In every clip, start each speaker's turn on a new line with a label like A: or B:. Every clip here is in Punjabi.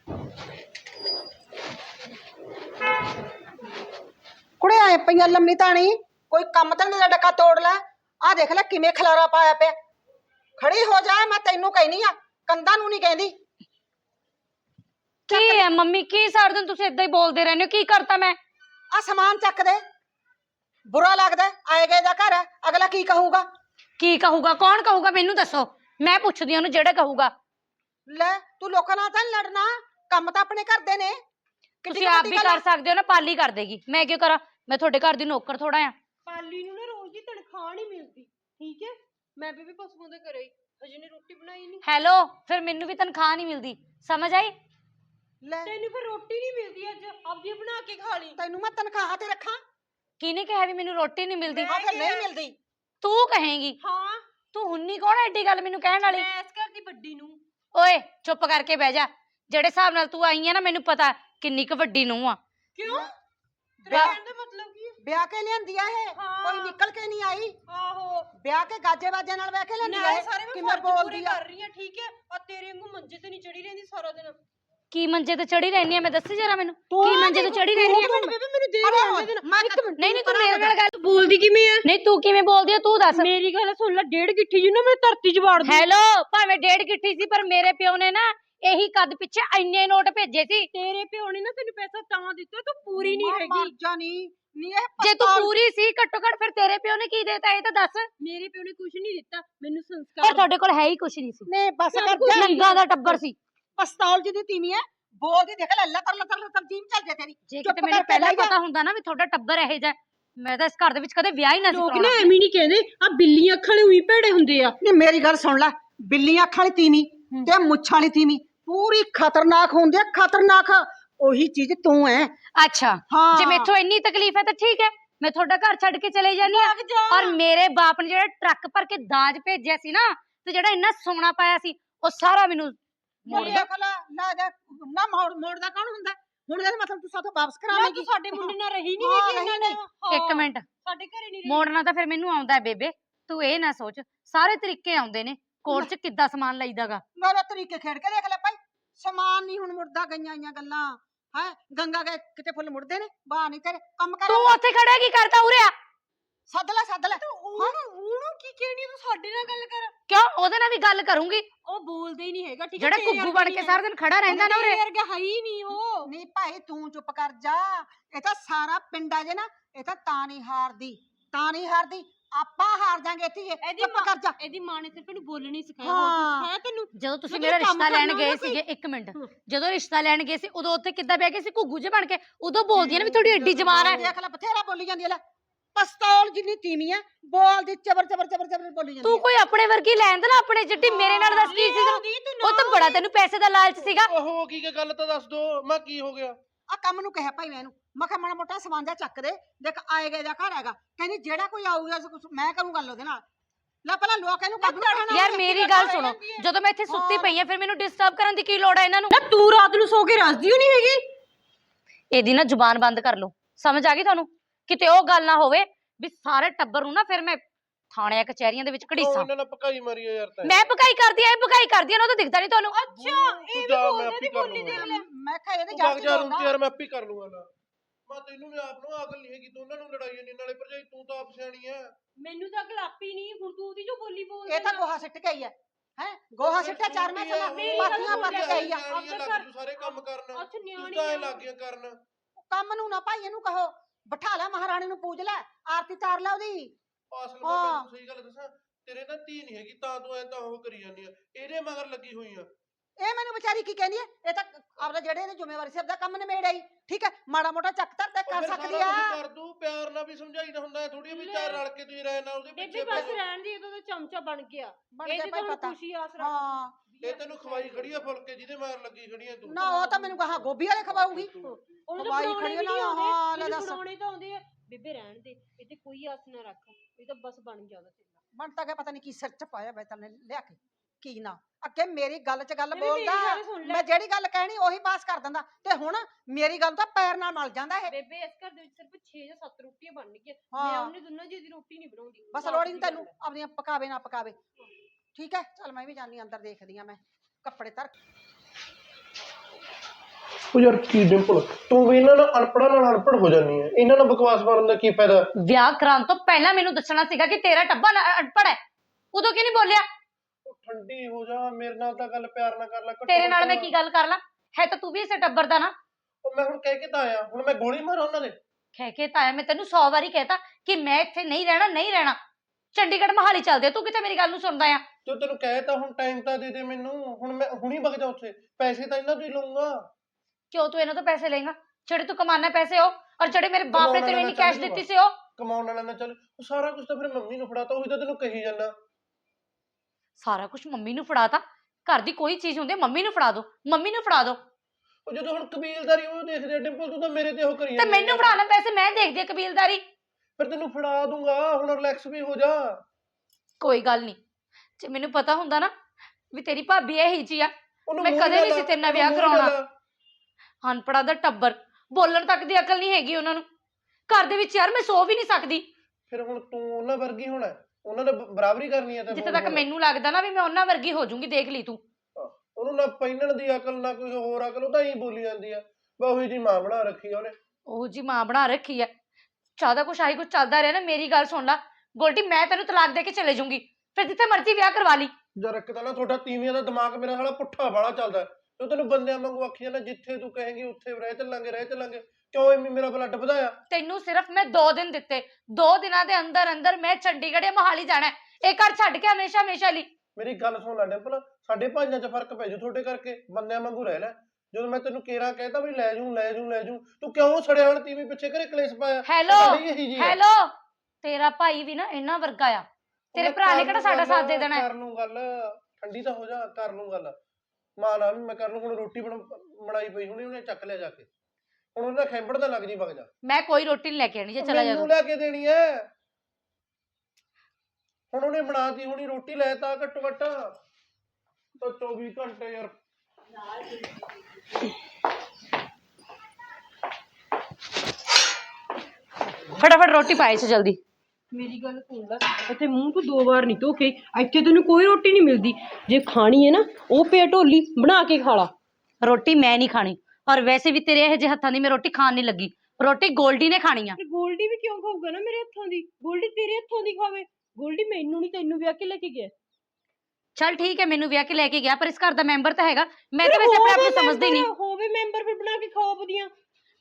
A: कुड़े आए पईया लम्मी ताणी कोई कम तो नहीं डका तोड़ लै आ देख ले किवें खलारा पाया पे खड़ी हो जा मैं तैनू कहनी आ कंधा नू नहीं कहंदी
B: की है मम्मी की सारा दिन तुम इदा ही बोलते रहने हो की करता मैं
A: आ समान चक दे बुरा लगदा आए गए दा घर है अगला की कहूगा
B: कौन कहूगा मैनू दसो मैं पुछदी ओनू जेड़ा कहूगा
A: ले तू लोकां नाल तां लड़ना कम तां अपने घर दे ने
B: तुसी आप भी कर सकते हो ना पाली कर देगी मैं क्यों करा मैं थोड़े घर दी नौकर थोड़ा आ
C: पाली नू ना रोज दी तनखाह नहीं मिलती ठीक है मैं भी पशुओं दे घरे हजे ने रोटी बनाई नहीं
B: हेलो फिर मेनू भी तनख्वाह नहीं मिलती समझ आई
A: ले
C: तेनू फिर रोटी नहीं मिलती अज आपदी बना के खा ली
A: तैनू मैं तनखाह ते रखां
B: किने कहा भी मेनू रोटी नहीं मिलती
A: हां फिर नहीं मिलदी
B: तू कहेगी
C: हां
B: तू हुन्नी कौन एडी गल मेनू कहण वाली
C: मैं इस घर दी बड्डी नू
B: ओए चुप करके बह जा जेड़े हिसाब नाल तू आई है ना मेनू पता किन्नी क वड्डी नूं आ
C: क्यों
A: ब्याह
C: कहने दा मतलब की
A: ब्याह के लियांदी आ है
C: हाँ।
A: कोई निकल के नहीं आई
C: आहो
A: ब्याह के गाजे बाजे नाल बह के लियांदी
C: नाले
A: है
C: सारे मैं
A: कि
C: फर्ज
A: बोल
C: पूरे
A: दिया
C: कर रही हां ठीक है और तेरे वांगू मंजे ते नहीं चढ़ी रहंदी सारा दिन
B: की मंजे ते चढ़ी रहनी है मैं दस्सी जरा मेनू
A: तू
B: की मंजे ते चढ़ी रहनी है
C: बेबे मेनू दे
A: अरे
C: रहने दे
A: मैं
C: एक मिनट
B: नहीं तू मेरे नाल गल
C: बोलदी किवें आ
B: नहीं तू किवें बोलदी है तू दस
C: मेरी गल सुन ले डेढ़ गिट्ठी जी ना मैं धरती च वाड़ दूं
B: हेलो भावें 1.5 गिट्ठी सी पर मेरे प्यो ने ना यही कद पिछे इन्ने नोट भेजे सी
C: तेरे प्यो ने ना तेनू पैसा तां दित्ता तू पूरी नहीं
A: मर
C: हैगी
A: जानी नी ये
B: जे तू पूरी सी घट्टो घट फिर तेरे प्यो ने की देता ये तो दस
C: मेरे प्यो ने कुछ नहीं दिता मैनू
B: पर
C: संस्कार
B: ਤੁਹਾਡੇ ਕੋਲ ਹੈ ਹੀ ਕੁਛ ਨਹੀਂ ਸੀ
A: ने बस कर जा
B: ਨੰਗਾ ਦਾ ਟੱਬਰ ਸੀ
A: पस्तौल जी दी तीमी है बोल दी देख ले लतर जीम चल जा तेरी
B: ਜੇ
A: चुप
B: ਕਿਤੇ ਮੈਨੂੰ
A: करके
B: ਪਹਿਲਾਂ
A: बह जा।
B: ਪਤਾ ਹੁੰਦਾ ਨਾ ਵੀ ਤੁਹਾਡਾ ਟੱਬਰ ਇਹੋ ਜਿਹਾ ਮੈਂ ਤਾਂ ਇਸ ਘਰ ਦੇ ਵਿੱਚ ਕਦੇ ਵਿਆਹ ਹੀ ਨਾ ਸੀ
C: ਲੋਕ ਨਾ
B: ਕਰਾਉਣਾ
C: ਐਵੇਂ ਨਹੀਂ ਕਹਿੰਦੇ ਆ ਬਿੱਲੀਆਂ ਅੱਖਾਂ ਵਾਲੇ ਉਹੀ ਭੇੜੇ ਹੁੰਦੇ ਆ
A: नहीं मेरी गल सुन ले बिल्लियां अखां वाली तीमी ते मुछ वाली तीमी पूरी खतरनाक होंदी है खतरनाक ओही चीज तू है
B: ਅੱਛਾ
A: हाँ
B: ਜੇ ਮੇਥੋਂ ਇੰਨੀ ਤਕਲੀਫ ਹੈ ਤਾਂ ਠੀਕ ਹੈ ਮੈਂ ਤੁਹਾਡਾ ਘਰ ਛੱਡ ਕੇ ਚਲੇ ਜਾਨੀ ਆ ਔਰ ਮੇਰੇ ਬਾਪ ਨੇ ਜਿਹੜਾ ਟਰੱਕ ਭਰ ਕੇ ਦਾਜ ਭੇਜਿਆ ਸੀ ਨਾ ਤੇ ਜਿਹੜਾ ਇੰਨਾ ਸੋਨਾ ਪਾਇਆ ਸੀ ਉਹ ਸਾਰਾ ਮੈਨੂੰ ਮੋੜ
A: मोड़
B: ਦੋ
A: देख ला ना जा ना मोड़ दा कौन हुंदा हुण ਇਹਦਾ ਮਤਲਬ ਤੂੰ ਸਾਥੋਂ ਵਾਪਸ
C: ਨਾ
A: ਕਰਾਵੇਂਗੀ
C: ਤੂੰ ਸਾਡੇ ਮੁੰਡੇ ਨਾਲ ਰਹੀ ਨਹੀਂ
A: ਹਾਂ,
C: ਹੈਗੀ ਇਹਨਾਂ ਨੇ
B: ਇੱਕ ਮਿੰਟ
C: ਸਾਡੇ ਘਰੇ ਨਹੀਂ ਰਹੀ
B: ਮੋੜਨਾ ਤਾਂ ਫਿਰ ਮੈਨੂੰ ਆਉਂਦਾ ਹੈ ਬੇਬੇ ਤੂੰ ਇਹ ਨਾ ਸੋਚ ਸਾਰੇ ਤਰੀਕੇ ਆਉਂਦੇ ਨੇ ਕੋਰਟ 'ਚ ਕਿੱਦਾਂ ਸਮਾਨ ਲਈਦਾਗਾ
A: ਮੇਰਾ ਤਰੀਕੇ ਖੇਡ ਕੇ ਦੇਖ ਲੈ ਭਾਈ ਸਮਾਨ ਨਹੀਂ ਹੁਣ ਮੁੜਦਾ ਗਈਆਂ ਆਈਆਂ ਗੱਲਾਂ ਹੈ ਗੰਗਾ ਗਏ ਕਿਤੇ ਫੁੱਲ ਮੁੜਦੇ ਨੇ ਬਾਹ ਨਹੀਂ ਤੇਰੇ ਕੰਮ ਕਰ
B: ਤੂੰ ਉੱਥੇ ਖੜਿਆ ਕੀ ਕਰਦਾ ਉਰੇ ਆ
A: ਸੱਦ ਲੈ
C: ਉਹਨੂੰ ਕੀ ਕਹਿਣੀ ਤੂੰ ਸਾਡੇ ਨਾਲ ਗੱਲ ਕਰ
B: ਕਿਉਂ ਉਹਦੇ ਨਾਲ ਵੀ ਗੱਲ ਕਰੂੰਗੀ
C: ਉਹ ਬੋਲਦਾ ਹੀ ਨਹੀਂ ਹੈਗਾ ਠੀਕ
B: ਜਿਹੜਾ ਘੁੱਗੂ ਬਣ ਕੇ ਸਾਰਾ ਦਿਨ ਖੜਾ ਰਹਿੰਦਾ ਨਾ ਉਰੇ
C: ਵਰਗਾ ਹੈ ਹੀ ਨਹੀਂ ਉਹ
A: ਨਹੀਂ ਭਾਈ ਤੂੰ ਚੁੱਪ ਕਰ ਜਾ ਇਹ ਤਾਂ ਸਾਰਾ ਪਿੰਡ ਆ ਜੇ ਨਾ ਇਹ ਤਾਂ ਨਹੀਂ ਹਾਰਦੀ ਆਪਾਂ ਹਾਰ ਜਾਾਂਗੇ ਇੱਥੇ
C: ਇਹਦੀ
A: ਚੁੱਪ ਕਰ ਜਾ
C: ਇਹਦੀ ਮਾਂ ਨੇ ਸਿਰਫ ਇਹਨੂੰ ਬੋਲਣਾ ਹੀ ਸਿਖਾਇਆ
A: ਹਾਂ।
C: ਹੈ ਤੈਨੂੰ
B: ਜਦੋਂ ਤੁਸੀਂ
C: ਮਤਲਬ
B: ਮੇਰਾ
C: ਕੰਮ
B: ਰਿਸ਼ਤਾ ਲੈਣ
C: ਕਰਨਾ
B: ਗਏ
C: ਨਾ ਕੋਈ।
B: ਸੀਗੇ ਇੱਕ ਮਿੰਟ ਜਦੋਂ ਰਿਸ਼ਤਾ ਲੈਣ ਗਏ ਸੀ ਉਦੋਂ ਉੱਥੇ ਕਿੱਦਾਂ ਬਹਿ ਗਏ ਸੀ ਘੁੱਗੂ ਜੇ ਬਣ ਕੇ ਉਦੋਂ ਬੋਲਦੀਆਂ ਨੇ ਵੀ ਤੁਹਾਡੀ ਏਡੀ ਜ਼ਬਾਨ ਹੈ
A: ਦੇਖ ਲੈ ਬਥੇਰਾ ਬੋਲੀ ਜਾਂਦੀ ਹੈ ਲੈ ਪਸਤੌਲ ਜਿੰਨੀ ਤੀਵੀਂ ਹੈ ਬੋਲਦੀ ਚਬਰ ਬੋਲੀ ਜਾਂਦੀ
B: ਤੂੰ ਕੋਈ ਆਪਣੇ ਵਰਗੀ ਲੈਣ ਦੇ ਨਾ ਆਪਣੇ ਜਿੱਡੀ ਮੇਰੇ ਨਾਲ ਦੱਸ ਕੀ ਸੀ ਤੈਨੂੰ ਉਹ ਤਾਂ ਬੜਾ ਤੈਨੂੰ ਪੈਸੇ ਦਾ ਲਾਲਚ ਸੀਗਾ
D: ਓਹੋ ਕੀ ਗੱਲ ਤਾਂ ਦੱਸ ਦੋ ਮੈਂ ਕੀ ਹੋ ਗਿਆ
A: ਆ ਕੰਮ ਨੂੰ ਕਹਿ ਭਾਈ ਮੈਨੂੰ ਮੈਂ ਕਿਹਾ ਮਾੜਾ ਮੋਟਾ ਸਮਾਨ ਜਾ ਚੱਕ ਦੇ ਦੇਖ ਆਏ ਗਏ ਦਾ ਘਰ ਹੈਗਾ ਕਹਿੰਦੀ ਜਿਹੜਾ ਕੋਈ ਆਊਗਾ ਮੈਂ ਕਰੂੰ ਗੱਲ ਉਹਦੇ ਨਾਲ ਲੈ ਪਹਿਲਾਂ ਲੋਕ ਇਹਨੂੰ ਕੱਢ ਨੂੰ
B: ਯਾਰ ਮੇਰੀ ਗੱਲ ਸੁਣੋ ਜਦੋਂ ਮੈਂ ਇੱਥੇ ਸੁੱਤੀ ਪਈ ਆ ਫਿਰ ਮੈਨੂੰ ਡਿਸਟਰਬ ਕਰਨ ਦੀ ਕੀ ਲੋੜ ਹੈ ਇਹਨਾਂ ਨੂੰ
C: ਨਾ ਤੂੰ ਰਾਤ ਨੂੰ ਸੋ ਕੇ ਰੱਜਦੀ ਨਹੀਂ ਹੈਗੀ
B: ਇਹਦੀ ਨਾ ਜ਼ੁਬਾਨ ਬੰਦ ਕਰ ਲਓ ਸਮਝ ਆ ਗਈ ਤੁਹਾਨੂੰ ਕਿਤੇ ਉਹ ਗੱਲ ਨਾ ਹੋਵੇ ਵੀ ਸਾਰੇ ਟੱਬਰ ਨੂੰ ਨਾ ਫਿਰ ਮੈਂ ਥਾਣਿਆਂ ਕਚਹਿਰੀਆਂ ਦੇ ਵਿੱਚ ਘੜੀਸਾਂ
D: ਇਹਨਾਂ ਨਾਲ ਪਕਾਈ ਮਾਰੀ ਆ ਯਾਰ ਤਾਂ
B: ਮੈਂ ਪਕਾਈ ਕਰਦੀ ਆ ਇਹ ਪਕਾਈ ਕਰਦੀ ਆ ਨਾ ਉਹ ਤਾਂ ਦਿਖਦਾ ਨਹੀਂ ਤੁਹਾਨੂੰ
C: ਅੱਛਾ
D: ਤੂੰ
C: ਇਹ
D: ਜਾ
C: ਵੀ
D: ਮੈਂ
C: ਬੋਲਦੇ
D: ਆਪੇ
C: ਨੇ
D: ਕਰ
C: ਬੋਲੀ ਦੇਖ
D: ਲੂੰਗਾ
C: ਲੈ
A: ਮੈਂ ਕਿਹਾ ਇਹਦੇ
D: ਤੂੰ
A: ਜਾ
D: ਵਗ
A: ਕੇ
D: ਜਾ ਰੂਮ
A: ਬੋਲਦਾ।
D: ਚ ਯਾਰ ਮੈਂ ਆਪੇ ਕਰ ਲੂੰਗਾ ਨਾ ਮੈਂ ਤੈਨੂੰ ਵੀ ਆਪ ਨੂੰ ਅਕਲ ਨਹੀਂ ਹੈਗੀ ਦੋਨਾਂ ਨੂੰ ਲੜਾਈ ਨਹੀਂ ਨਾਲੇ ਭਰਜਾਈ ਤੂੰ ਤਾਂ ਆਪ ਸਿਆਣੀ ਐ
C: ਮੈਨੂੰ ਤਾਂ ਗਲਾਪੀ ਨਹੀਂ ਹੁਣ ਤੂੰ ਉਹਦੀ ਜੋ ਬੋਲੀ ਬੋਲ
A: ਇਹ ਤਾਂ ਗੋਹਾ ਸਿੱਟ ਕੇ ਆਈ ਹੈ ਗੋਹਾ ਸਿੱਟਿਆ ਚਾਰ ਮੈਂ ਸਮਾਂ ਪਾਥੀਆਂ ਪਾ ਕੇ ਗਈ ਆ
D: ਤੂੰ ਸਾਰੇ ਕੰਮ ਕਰਨ
C: ਅੱਛਾ
D: ਤੂੰ
C: ਨਿਆਣੀ
D: ਤਾਂ ਐ
C: ਆ।
D: ਲੱਗ ਗਿਆ ਕਰਨ
A: ਕੰਮ ਨੂੰ ਨਾ ਭਾਈ ਇਹਨੂੰ ਕਹੋ ਬਿਠਾ ਲੈ ਮਹਾਰਾਣੀ ਨੂੰ ਪੂਜ ਲੈ ਆਰਤੀ ਤਾਰ ਲੈ ਉਹਦੀ
D: ਅਸਲ ਮੈਂ ਤੈਨੂੰ ਸਹੀ ਗੱਲ ਦੱਸਾਂ ਤੇਰੇ ਨਾਲ ਧੀ ਨਹੀਂ ਹੈਗੀ ਤਾਂ ਤੂੰ ਐ ਤਾਂ ਉਹ ਕਰੀ ਜਾਂਦੀ ਆ ਇਹਦੇ ਮਗਰ ਲੱਗੀ ਹੋਈ ਆ
A: ਇਹ ਮੈਨੂੰ ਵਿਚਾਰੀ ਕੀ ਕਹਿੰਦੀ ਹੈ ਇਹ ਤਾਂ ਆਪਦਾ ਜਿਹੜੇ ਇਹਦੀ ਜ਼ਿੰਮੇਵਾਰੀ ਸੀ ਆਪਦਾ ਕੰਮ ਨਿਬੇੜਿਆ ਹੀ ਠੀਕ ਹੈ ਮਾੜਾ ਮੋਟਾ ਚੱਕ ਧਰ ਤੇ ਕਰ ਸਕਦੀ ਆ
D: ਕਰ ਦੂ ਪਿਆਰ ਨਾਲ ਵੀ ਸਮਝਾਈਦਾ ਹੁੰਦਾ ਥੋੜੀ ਵੀ ਚਾਰ ਰਲ ਕੇ ਤੁਸੀਂ ਰਹਿ ਨਾ ਉਹਦੇ
C: ਬੇਬੇ
D: ਪਿੱਛੇ
C: ਬਸ ਰਹਿਣ ਦੀ ਇਹਦਾ ਤਾਂ ਚਮਚਾ ਬਣ ਗਿਆ
A: ਬਣ
C: ਇਹ
A: ਗਿਆ
C: ਤੇ
A: ਭਾਈ
C: ਤੁਹਾਨੂੰ
A: ਪਤਾ
C: ਖੁਸ਼ੀ ਆਸਰਾ
A: ਹਾਂ
D: ਇਹ ਤੈਨੂੰ ਖਵਾਈ ਖੜੀ ਆ ਫੁਲਕੇ ਜਿਹਦੇ ਮਗਰ ਲੱਗੀ ਖੜੀ ਆ ਤੂੰ
A: ਨਾ ਉਹ ਤਾਂ ਮੈਨੂੰ ਕਹਾ ਗੋਭੀ ਵਾਲੇ ਖਵਾਉਂਗੀ
C: ਉਹਨੂੰ ਤਾਂ
A: ਖਵਾਈ
C: ਬਣਾਉਣੇ
A: ਖੜੀ
C: ਵੀ
A: ਆ
C: ਨਹੀਂ
A: ਨਾ, ਹਾਂ,
C: ਆਉਂਦੇ
A: ਲੈ
C: ਮੈਨੂੰ
A: ਦੱਸ।
C: ਬਣਾਉਣੇ ਤਾਂ ਆਉਂਦੇ ਆ ਬੇਬੇ ਰਹਿਣ ਦੇ ਇਹ ਤੇ ਕੋਈ ਆਸ ਨਾ ਰੱਖ ਇਹ ਤਾਂ ਬਸ ਬਣ ਜਾਦਾ ਤੇਰਾ
A: ਬਣ ਤਾਂ ਗਿਆ ਪਤਾ ਨਹੀਂ ਕੀ ਸਿਰ ਚ ਪਾਇਆ ਬੈ ਤਨੇ ਲਿਆ ਕੇ ਕੀ ਨਾ ਅੱਗੇ ਮੇਰੀ ਗੱਲ ਚ ਗੱਲ
C: ਬੇਬੇ ਮੇਰੀ ਗੱਲ
A: ਬੋਲਦਾ
C: ਸੁਣ ਲੈ।
A: ਮੈਂ ਜਿਹੜੀ ਗੱਲ ਕਹਿਣੀ ਉਹੀ ਪਾਸ ਕਰ ਦਿੰਦਾ ਤੇ ਹੁਣ ਮੇਰੀ ਗੱਲ ਤਾਂ ਪੈਰ ਨਾਲ ਮਲ ਜਾਂਦਾ ਇਹ
C: ਬੇਬੇ ਇਸ ਘਰ ਦੇ ਵਿੱਚ ਸਿਰਫ 6 ਜਾਂ 7 ਰੋਟੀਆਂ ਬਣਨਗੀਆਂ
A: ਹਾਂ।
C: ਮੈਂ ਉਹਨੇ ਦੋਨਾਂ ਜੀ ਦੀ ਰੋਟੀ ਨਹੀਂ ਬਣਾਉਂਦੀ
A: ਬਸ
C: ਸਾਫ਼
A: ਲੋੜ ਹੀ
C: ਜਿਹੀ
A: ਨੀ ਤੈਨੂੰ
C: ਗੱਲ ਹੈ।
A: ਆਪਣੀਆਂ ਪਕਾਵੇ ਨਾ ਪਕਾਵੇ ਠੀਕ ਹੈ ਚੱਲ ਮੈਂ ਵੀ ਜਾਨੀ ਅੰਦਰ ਦੇਖਦੀ ਆ ਮੈਂ ਕੱਪੜੇ ਧਰ
D: ਉਹ ਯਾਰ ਕੀ ਡਿੰਪਲ, ਤੂੰ ਵੀ ਇਹਨਾਂ ਨਾਲ ਅਨਪੜ੍ਹਾਂ ਨਾਲ ਅਨਪੜ੍ਹ ਹੋ ਜਾਂਦੀ ਹੈ। ਇਹਨਾਂ ਨਾਲ ਬਕਵਾਸ ਮਾਰਨ ਦਾ ਕੀ ਫਾਇਦਾ?
B: ਵਿਆਹ ਕਰਾਉਣ ਤੋਂ ਪਹਿਲਾਂ ਮੈਨੂੰ ਦੱਸਣਾ ਸੀਗਾ ਕਿ ਤੇਰਾ ਟੱਬਾ ਅਨਪੜ੍ਹ ਹੈ, ਉਦੋਂ ਕਿਉਂ ਨਹੀਂ ਬੋਲਿਆ?
D: ਉਹ ਠੰਡੀ ਹੋ ਜਾ, ਮੇਰੇ ਨਾਲ ਤਾਂ ਗੱਲ ਪਿਆਰ ਨਾਲ ਕਰ ਲੈ।
B: ਤੇਰੇ ਨਾਲ ਮੈਂ ਕੀ ਗੱਲ ਕਰ ਲਾਂ? ਹੈ ਤਾਂ ਤੂੰ ਵੀ ਇਸੇ ਟੱਬਰ ਦਾ ਨਾ।
D: ਉਹ ਮੈਂ ਹੁਣ ਕਹਿ ਕੇ ਤਾਂ ਆਇਆ, ਹੁਣ ਮੈਂ ਗੋਲੀ ਮਾਰਾਂ ਉਹਨਾਂ ਦੇ?
B: ਕਹਿ ਕੇ ਤਾਂ ਆਇਆ, ਮੈਂ ਤੈਨੂੰ 100 ਵਾਰੀ ਕਹਿਤਾ ਕਿ ਮੈਂ ਇੱਥੇ ਨਹੀਂ ਰਹਿਣਾ, ਨਹੀਂ ਰਹਿਣਾ। ਚੰਡੀਗੜ੍ਹ ਮਹਾਲੀ ਚੱਲਦੇ, ਤੂੰ ਕਿਤੇ ਮੇਰੀ ਗੱਲ ਨੂੰ ਸੁਣਦਾ ਆ?
D: ਜੋ ਤੈਨੂੰ ਕਹਿ ਤਾਂ ਹੁਣ ਟਾਈਮ ਤਾਂ ਦੇ ਦੇ ਮੈਨੂੰ, ਹੁਣ ਮੈਂ ਹੁਣੀ ਵਗ ਜਾ ਉੱਥੇ, ਪੈਸੇ ਤਾਂ ਇਹਨਾਂ ਤੋਂ ਹੀ ਲਊਂਗਾ।
B: ਕਿਉਂ ਤੂੰ ਇਹਨਾਂ ਤੋਂ ਪੈਸੇ ਲਏਗਾ? ਜਿਹੜੇ ਤੂੰ ਕਮਾਨਾ ਪੈਸੇ ਹੋ, ਔਰ ਜਿਹੜੇ ਮੇਰੇ ਬਾਪ ਨੇ ਤੈਨੂੰ ਇੰਨੀ ਕੈਸ਼ ਦਿੱਤੀ ਸੀ ਉਹ
D: ਕਮਾਉਣ ਵਾਲਾ ਨਾ ਚੱਲ, ਉਹ ਸਾਰਾ ਕੁਝ ਤਾਂ ਫਿਰ ਮੰਮੀ ਨੂੰ ਫੜਾਤਾ, ਉਹੀ ਤਾਂ ਤੈਨੂੰ ਕਹੀ ਜਾਂਦਾ।
B: ਸਾਰਾ ਕੁਝ ਮੰਮੀ ਨੂੰ ਫੜਾਤਾ? ਘਰ ਦੀ ਕੋਈ ਚੀਜ਼ ਹੁੰਦੀ ਮੰਮੀ ਨੂੰ ਫੜਾ ਦੋ, ਮੰਮੀ ਨੂੰ ਫੜਾ ਦੋ।
D: ਉਹ ਜਦੋਂ ਹੁਣ ਕਬੀਲਦਾਰੀ ਉਹ ਦੇਖਦੇ ਆ ਡਿੰਪਲ, ਤੂੰ ਤਾਂ ਮੇਰੇ ਤੇ ਉਹ ਕਰੀ
B: ਤੇ
D: ਜਾਂਦੀ
B: ਮੈਨੂੰ ਫੜਾਣਾ ਪੈਸੇ, ਮੈਂ ਦੇਖਦੀ ਆ ਕਬੀਲਦਾਰੀ।
D: ਫਿਰ ਤੈਨੂੰ ਫੜਾ ਦੂੰਗਾ, ਹੁਣ ਰਿਲੈਕਸ ਵੀ ਹੋ ਜਾ।
B: ਕੋਈ ਗੱਲ ਨਹੀਂ, ਜੇ ਮੈਨੂੰ ਪਤਾ ਹੁੰਦਾ ਨਾ ਵੀ ਤੇਰੀ ਭਾਬੀ ਇਹੀ ਜੀ ਆ,
D: ਉਹਨੂੰ
B: ਮੈਂ
D: ਮੂੰਹ
B: ਕਦੇ ਨਹੀਂ
D: ਲਾ,
B: ਸੀ ਤੇਰੇ ਨਾਲ
D: ਉਹਨੂੰ
B: ਵਿਆਹ
D: ਮੂੰਹ
B: ਕਰਾਉਣਾ।
D: ਲਾ।
B: ਅਨਪੜ੍ਹਾਂ ਦਾ ਟੱਬਰ, ਬੋਲਣ ਤੱਕ ਦੀ ਅਕਲ ਨਹੀਂ ਹੈਗੀ ਉਹਨਾਂ ਨੂੰ। ਘਰ ਦੇ ਵਿੱਚ ਯਾਰ ਮੈਂ ਸੋ ਵੀ ਨਹੀਂ ਸਕਦੀ।
D: ਫਿਰ ਹੁਣ ਤੂੰ ਉਹਨਾਂ ਵਰਗੀ ਹੋਣਾ, ਉਹਨਾਂ ਨੇ ਬਰਾਬਰੀ ਕਰਨੀ ਹੈ ਤੇ
B: ਜਿੱਥੇ ਤੱਕ ਮੈਨੂੰ ਲੱਗਦਾ ਨਾ ਵੀ ਮੈਂ ਉਹਨਾਂ ਵਰਗੀ ਹੋ ਜਾਊਂਗੀ, ਦੇਖ ਲਈ ਤੂੰ।
D: ਉਹਨੂੰ ਨਾ ਪਹਿਨਣ ਦੀ ਅਕਲ ਨਾ ਕੋਈ ਹੋਰ ਅਕਲ, ਉਹ ਤਾਂ ਹੀ ਬੋਲੀ ਜਾਂਦੀ ਆ। ਉਹੀ ਜੀ ਮਾਂ ਬਣਾ ਰੱਖੀ ਆ ਉਹਨੇ।
B: ਉਹ ਜੀ ਮਾਂ ਬਣਾ ਰੱਖੀ ਐ। ਜ਼ਿਆਦਾ ਕੁਛ ਆਹੀ ਕੁਛ ਚੱਲਦਾ ਰਿਹਾ ਨਾ। ਮੇਰੀ ਗੱਲ ਸੁਣ ਲੈ ਗੋਲਡੀ, ਮੈਂ ਤੈਨੂੰ ਤਲਾਕ ਦੇ ਕੇ ਚਲੇ ਜਾਊਂਗੀ, ਫਿਰ ਜਿੱਥੇ ਮਰਜ਼ੀ ਵਿਆਹ ਕਰਵਾ ਲਈ।
D: ਜਰ ਇੱਕ ਤਾਂ ਨਾ ਤੁਹਾਡਾ ਤੀਵੀਆਂ ਦਾ ਦਿਮਾਗ ਮੇਰਾ ਸਾਲਾ ਪੁੱਠਾ ਵਾਲਾ ਚੱਲਦਾ। ਜੋ ਤੈਨੂੰ ਬੰਦਿਆਂ ਵਾਂਗੂ ਆਖੀ ਜਾਂਦਾ, ਜਿੱਥੇ ਤੂੰ ਕਹੇਂਗੀ ਉੱਥੇ ਰਹਿ ਚੱਲਾਂਗੇ। ਕਿਉਂ ਐਵੇਂ ਮੇਰਾ ਬਲੱਡ ਵਧਾਇਆ?
B: ਤੈਨੂੰ ਸਿਰਫ ਮੈਂ 2 ਦਿਨ ਦਿੱਤੇ, 2 ਦਿਨਾਂ ਦੇ ਅੰਦਰ ਅੰਦਰ ਮੈਂ ਚੰਡੀਗੜ੍ਹ ਜਾਂ ਮੋਹਾਲੀ ਜਾਣਾ, ਇਹ ਘਰ ਛੱਡ ਕੇ ਹਮੇਸ਼ਾ ਲਈ।
D: ਮੇਰੀ ਗੱਲ ਸੁਣ ਲੈ ਡਿੰਪਲ, ਸਾਡੇ ਭਾਈਆਂ 'ਚ ਫਰਕ ਪੈ ਜੂ ਤੁਹਾਡੇ ਕਰਕੇ, ਬੰਦਿਆਂ ਵਾਂਗੂ ਰਹਿ ਲੈ। ਜਦੋਂ ਮੈਂ ਤੈਨੂੰ ਕੇਰਾ ਕਹਿਤਾ ਵੀ ਲੈ ਜੂ, ਤੂੰ ਕਿਉਂ ਛੜਿਆ ਹੁਣ ਤੀਵੀਂ ਪਿੱਛੇ ਘਰੇ ਕਲੇਸ਼ ਪਾਇਆ?
B: ਹੈਲੋ, ਤੇਰਾ ਭਾਈ ਵੀ ਨਾ ਇਹਨਾਂ ਵਰਗਾ ਆ। ਤੇਰੇ ਭਰਾ ਨੇ ਕਿਹੜਾ ਸਾਡਾ ਸਾਥ ਦੇ ਦੇਣਾ?
D: ਕਰ ਲੂੰ ਗੱਲ, ਠੰਡੀ ਤਾਂ ਹੋ ਜਾ, ਕਰ ਲੂੰ ਗੱਲ। ਮਾਂ ਨਾਲ ਵੀ ਮੈਂ ਕਰ ਲੂੰ। ਹੁਣ ਰੋਟੀ ਬਣਾਈ ਪਈ ਹੁਣੀ, ਉਹਨੇ ਚੱਕ ਲਿਆ ਜਾ ਕੇ। ਹੁਣ ਉਹਦਾ ਖੈਂਬੜ ਤਾਂ ਲੱਗ ਜੀ, ਵਗ ਜਾ।
B: ਮੈਂ ਕੋਈ ਰੋਟੀ ਨਹੀਂ ਲੈ ਕੇ ਆਣੀ, ਜੇ ਚਲਾ ਜਾ।
D: ਮੈਨੂੰ ਲੈ ਕੇ ਦੇਣੀ ਐ। ਹੁਣ ਉਹਨੇ ਬਣਾਤੀ ਹੁਣੀ ਰੋਟੀ, ਲੈ ਤਾਂ ਘੱਟੋ ਘੱਟ ਤਾਂ 24 ਘੰਟੇ ਯਾਰ।
B: ਫਟਾਫਟ ਰੋਟੀ ਪਾਏ ਚ ਜਲਦੀ।
C: ਮੇਰੀ ਗੱਲ ਸੁਣ ਲੈ, ਇੱਥੇ ਮੂੰਹ ਤੂੰ 2 ਵਾਰ ਨਹੀਂ ਧੋਕੇ, ਇੱਥੇ ਤੈਨੂੰ ਕੋਈ ਰੋਟੀ ਨਹੀਂ ਮਿਲਦੀ। ਜੇ ਖਾਣੀ ਹੈ ਨਾ, ਉਹ ਪਿਆ ਢੋਲੀ, ਬਣਾ ਕੇ ਖਾ ਲਾ।
B: ਰੋਟੀ ਮੈਂ ਨਹੀਂ ਖਾਣੀ, ਔਰ ਵੈਸੇ ਵੀ ਤੇਰੇ ਇਹੋ ਜਿਹੇ ਹੱਥਾਂ ਦੀ ਮੈਂ ਰੋਟੀ ਖਾਣ ਨਹੀਂ ਲੱਗੀ। ਰੋਟੀ ਗੋਲਡੀ ਨੇ ਖਾਣੀ ਆ।
C: ਗੋਲਡੀ ਵੀ ਕਿਉਂ ਖਾਊਗਾ ਨਾ ਮੇਰੇ ਹੱਥਾਂ ਦੀ? ਗੋਲਡੀ ਤੇਰੇ ਹੱਥੋਂ ਦੀ ਖਾਵੇ। ਗੋਲਡੀ ਮੈਨੂੰ ਨਹੀਂ, ਤੈਨੂੰ ਵਿਆਹ ਕੇ ਲੈ ਕੇ ਗਿਆ।
B: ਚੱਲ ਠੀਕ ਹੈ, ਮੈਨੂੰ ਵਿਆਹ ਕੇ ਲੈ ਕੇ ਗਿਆ, ਪਰ ਇਸ ਘਰ ਦਾ ਮੈਂਬਰ ਤਾਂ ਹੈਗਾ। ਮੈਂ ਤਾਂ ਵੈਸੇ ਆਪਣੇ ਆਪ ਨੂੰ ਸਮਝਦੀ ਨਹੀਂ।
C: ਹੋਵੇ ਮੈਂਬਰ, ਫਿਰ ਬਣਾ ਕੇ ਖਾਓ ਆਪਦੀਆਂ।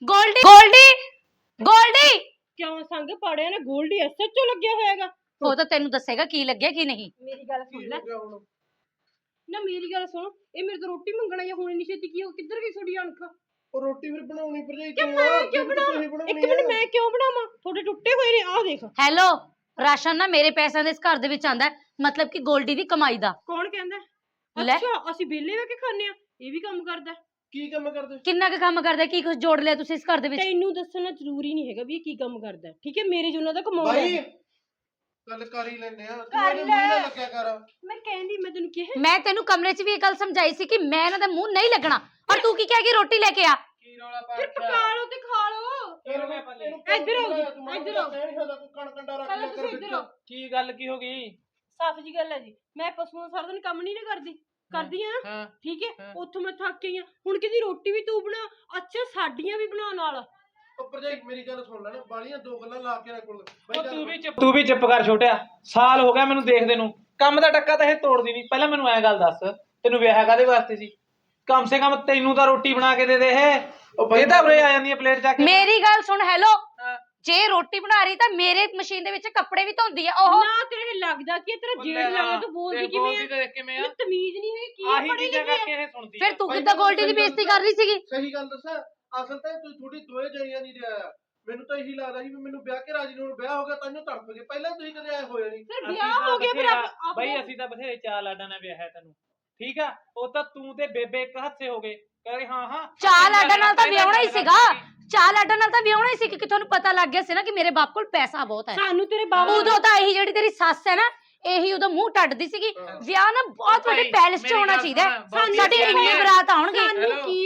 B: ਗੋਲਡੀ
C: ਕਿਉਂ ਸੰਗ ਪਾੜਿਆ ਨਾ? ਗੋਲਡੀ ਐਸਐਚਓ ਲੱਗਿਆ ਹੋਇਆਗਾ।
B: ਉਹ ਤਾਂ ਤੈਨੂੰ ਦੱਸੇਗਾ ਕੀ ਲੱਗਿਆ ਕੀ ਨਹੀਂ।
C: ਮੇਰੀ ਗੱਲ ਸੁਣ ਲੈ ਨਾ, ਮੇਰੀ ਗੱਲ ਸੁਣ। ਇਹ ਮੇਰੇ ਤੋਂ ਰੋਟੀ ਮੰਗਣਾ ਜਾਂ ਹੁਣ ਨਹੀਂ ਛੇਤੀ ਕੀ ਹੋ, ਕਿੱਧਰ ਗਈ ਤੁਹਾਡੀ ਅਣਖ?
D: ਉਹ ਰੋਟੀ ਫਿਰ ਬਣਾਉਣੀ ਭਰਜਾਈ
C: ਕਿਉਂ ਬਣਾਵਾਂ? ਇੱਕ ਮਿੰਟ, ਮੈਂ ਕਿਉਂ ਬਣਾਵਾਂ? ਤੁਹਾਡੇ ਟੁੱਟੇ ਹੋਏ ਨੇ, ਆਹ ਦੇਖ।
B: ਹੈਲੋ, ਰਾਸ਼ਨ ਨਾ ਮੇਰੇ ਪੈਸਿਆਂ ਦੇ ਇਸ ਘਰ ਦੇ ਵਿੱਚ ਆਂਦਾ, ਮਤਲਬ ਕਿ ਗੋਲਡੀ ਦੀ ਕਮਾਈ ਦਾ।
C: ਕੌਣ ਕਹਿੰਦਾ?
B: ਲੈ।
C: ਅੱਛਾ, ਅਸੀਂ ਵਿਹਲੇ ਹੋ ਕੇ ਖਾਂਦੇ ਆ, ਇਹ ਵੀ ਕੰਮ ਕਰਦਾ।
D: ਕੀ ਕੰਮ ਕਰਦੇ?
B: ਕਿੰਨਾ ਕੁ ਕੰਮ ਕਰਦਾ? ਕੀ ਕੁਝ ਜੋੜ ਲਿਆ ਤੁਸੀਂ ਇਸ ਘਰ ਦੇ ਵਿੱਚ?
C: ਤੈਨੂੰ ਦੱਸਣਾ ਜ਼ਰੂਰੀ ਨਹੀਂ ਹੈਗਾ ਵੀ ਇਹ ਕੀ ਕੰਮ ਕਰਦਾ, ਠੀਕ ਹੈ? ਮੇਰੇ ਜੁਨਾ ਦਾ ਕਮਾਉਂਦਾ
D: ਬਾਈ ਗੱਲ ਕਰ ਹੀ ਲੈਨੇ ਆ, ਤੂੰ ਇਹਦੇ ਮੂੰਹ ਨਾਲ ਲੱਗਿਆ ਕਰ।
C: ਮੈਂ ਕਹਿੰਦੀ, ਮੈਂ ਤੈਨੂੰ ਕਿਹਾ
B: ਮੈਂ ਤੈਨੂੰ ਕਮਰੇ 'ਚ ਵੀ ਇਹ ਗੱਲ ਸਮਝਾਈ ਸੀ ਕਿ ਮੈਂ ਇਹਨਾਂ ਦਾ ਮੂੰਹ ਨਹੀਂ ਲੱਗਣਾ, ਔਰ ਤੂੰ ਕੀ ਕਹਿ ਗਈ ਰੋਟੀ ਲੈ ਕੇ ਆ।
D: ਕੀ ਰੌਲਾ ਪਾ
C: ਫਿਰ ਪਕਾ ਲਓ ਤੇ ਖਾ ਲਓ। ਇੱਧਰ ਆਓ ਜੀ, ਇੱਧਰ ਆਓ। ਪਹਿਲਾਂ ਤੁਸੀਂ ਇੱਧਰ ਆਓ।
E: ਕੀ ਗੱਲ ਕੀ ਹੋ ਗਈ?
C: ਸਾਫ਼ ਜੀ ਗੱਲ ਹੈ ਜੀ, ਮੈਂ ਪਸ਼ੂਆਂ ਸਾਰਾ ਦਿਨ ਕੰਮ ਨਹੀਂ ਨਾ ਕਰਦੀ ਆ,
E: ਹਾਂ
C: ਠੀਕ ਹੈ? ਉੱਥੋਂ ਮੈਂ ਥੱਕ ਗਈ ਆ, ਹੁਣ ਕਿਹਦੀ ਰੋਟੀ ਵੀ ਤੂੰ ਬਣਾ। ਅੱਛਾ, ਸਾਡੀਆਂ ਵੀ ਬਣਾ ਨਾਲ।
D: ਭਰਜਾਈ ਮੇਰੀ ਗੱਲ ਸੁਣ ਲੈ ਨਾ, ਬਾਲੀਆਂ 2 ਗੱਲਾਂ ਲਾ ਕੇ ਨਾ ਕੋਲ।
E: ਤੂੰ ਵੀ ਚੁੱਪ ਕਰ ਛੋਟਿਆ। ਸਾਲ ਹੋ ਗਿਆ ਮੈਨੂੰ ਦੇਖਦੇ ਨੂੰ, ਕੰਮ ਦਾ ਟੱਕਾ ਤਾਂ ਇਹ ਤੋੜਦੀ ਨਹੀਂ। ਪਹਿਲਾਂ ਮੈਨੂੰ ਐ ਗੱਲ ਦੱਸ, ਤੈਨੂੰ ਵਿਆਹ ਕਾਹਦੇ ਵਾਸਤੇ ਸੀ? ਕਮ ਸੇ ਕਮ ਤੈਨੂੰ ਤਾਂ ਰੋਟੀ ਬਣਾ ਕੇ ਦੇ ਦੇ। ਇਹ ਤਾਂ ਉਰੇ ਆ ਜਾਂਦੀ ਹੈ ਪਲੇਟ ਚੱਕ ਕੇ।
B: ਮੇਰੀ ਗੱਲ ਸੁਣ, ਹੈਲੋ, ਜੇ ਰੋਟੀ ਬਣਾ ਰਹੀ ਤਾਂ ਮੇਰੇ ਮਸ਼ੀਨ ਦੇ ਵਿੱਚ ਕੱਪੜੇ ਵੀ ਧੋਂਦੀ ਆ ਉਹ।
C: ਨਾ ਤੇਰੇ ਲੱਗਦਾ ਕੀ ਤੇਰਾ ਜੇੜ ਲੱਗਦਾ, ਤੂੰ ਬੋਲਦੀ ਕਿਵੇਂ ਆ? ਤਮੀਜ਼ ਨਹੀਂ ਹੈ ਕੀ ਪੜੀ ਲਿਖੀ?
B: ਫਿਰ ਤੂੰ ਕਿੱਦਾਂ ਗੋਲਡੀ ਦੀ ਬੇਇੱਜ਼ਤੀ ਕਰ ਰਹੀ ਸੀਗੀ?
D: ਸਹੀ ਗੱਲ ਦੱਸਾਂ, ਅਸਲ ਤਾਂ ਤੂੰ ਥੋੜੀ ਦੋਏ ਜਾਈਆਂ ਨਹੀਂ ਰਿਹਾ। ਮੈਨੂੰ ਤਾਂ ਇਹੀ ਲੱਗਦਾ ਸੀ ਵੀ ਮੈਨੂੰ ਵਿਆਹ ਕੇ ਰਾਜੀ ਨੂੰ ਵਿਆਹ ਹੋ ਗਿਆ ਤਾਂ ਇਹਨੂੰ ਤੜਪ ਗਏ। ਪਹਿਲਾਂ ਤੁਸੀਂ ਕਦੇ ਆਏ ਹੋਏ ਨਹੀਂ।
C: ਫਿਰ ਵਿਆਹ ਹੋ ਗਿਆ, ਫਿਰ
E: ਬਈ ਅਸੀਂ ਤਾਂ ਬਥੇਰੇ ਚਾਅ ਲਾਡਾਂ ਨਾਲ ਵਿਆਹ ਹੈ ਤੈਨੂੰ, ਠੀਕ ਆ? ਉਹ ਤਾਂ ਤੂੰ ਤੇ ਬੇਬੇ ਇੱਕ ਹੱਥੇ ਹੋ ਗਏ, ਕਹਿੰਦੇ ਹਾਂ
B: ਚਾਹ ਲਾਡਾਂ ਨਾਲ ਤਾਂ ਵਿਆਹਣਾ ਹੀ ਸੀਗਾ। ਚਾਹ ਲਾਡਾਂ ਨਾਲ ਤਾਂ ਵਿਆਹਣਾ ਹੀ ਸੀ ਕਿ ਤੁਹਾਨੂੰ ਪਤਾ ਲੱਗ ਗਿਆ ਸੀ ਨਾ ਕਿ ਮੇਰੇ ਬਾਪ ਕੋਲ ਪੈਸਾ ਬਹੁਤ ਹੈ।
C: ਸਾਨੂੰ ਤੇਰੇ ਬਾਪ
B: ਉਦੋਂ ਤਾਂ ਇਹੀ ਜਿਹੜੀ ਤੇਰੀ ਸੱਸ ਹੈ ਨਾ, ਇਹੀ ਉਦੋਂ ਮੂੰਹ ਟੱਟਦੀ ਵਿਆਹ ਨਾ ਬਹੁਤ ਵੱਡੇ ਪੈਲਸ 'ਚ ਹੋਣਾ ਚਾਹੀਦਾ। ਸਾਡੀ ਇੰਨੀ ਬਰਾਤ ਆਉਣਗੇ।
C: ਸਾਨੂੰ ਕੀ ਪਾ ਤੁਹਾਡੇ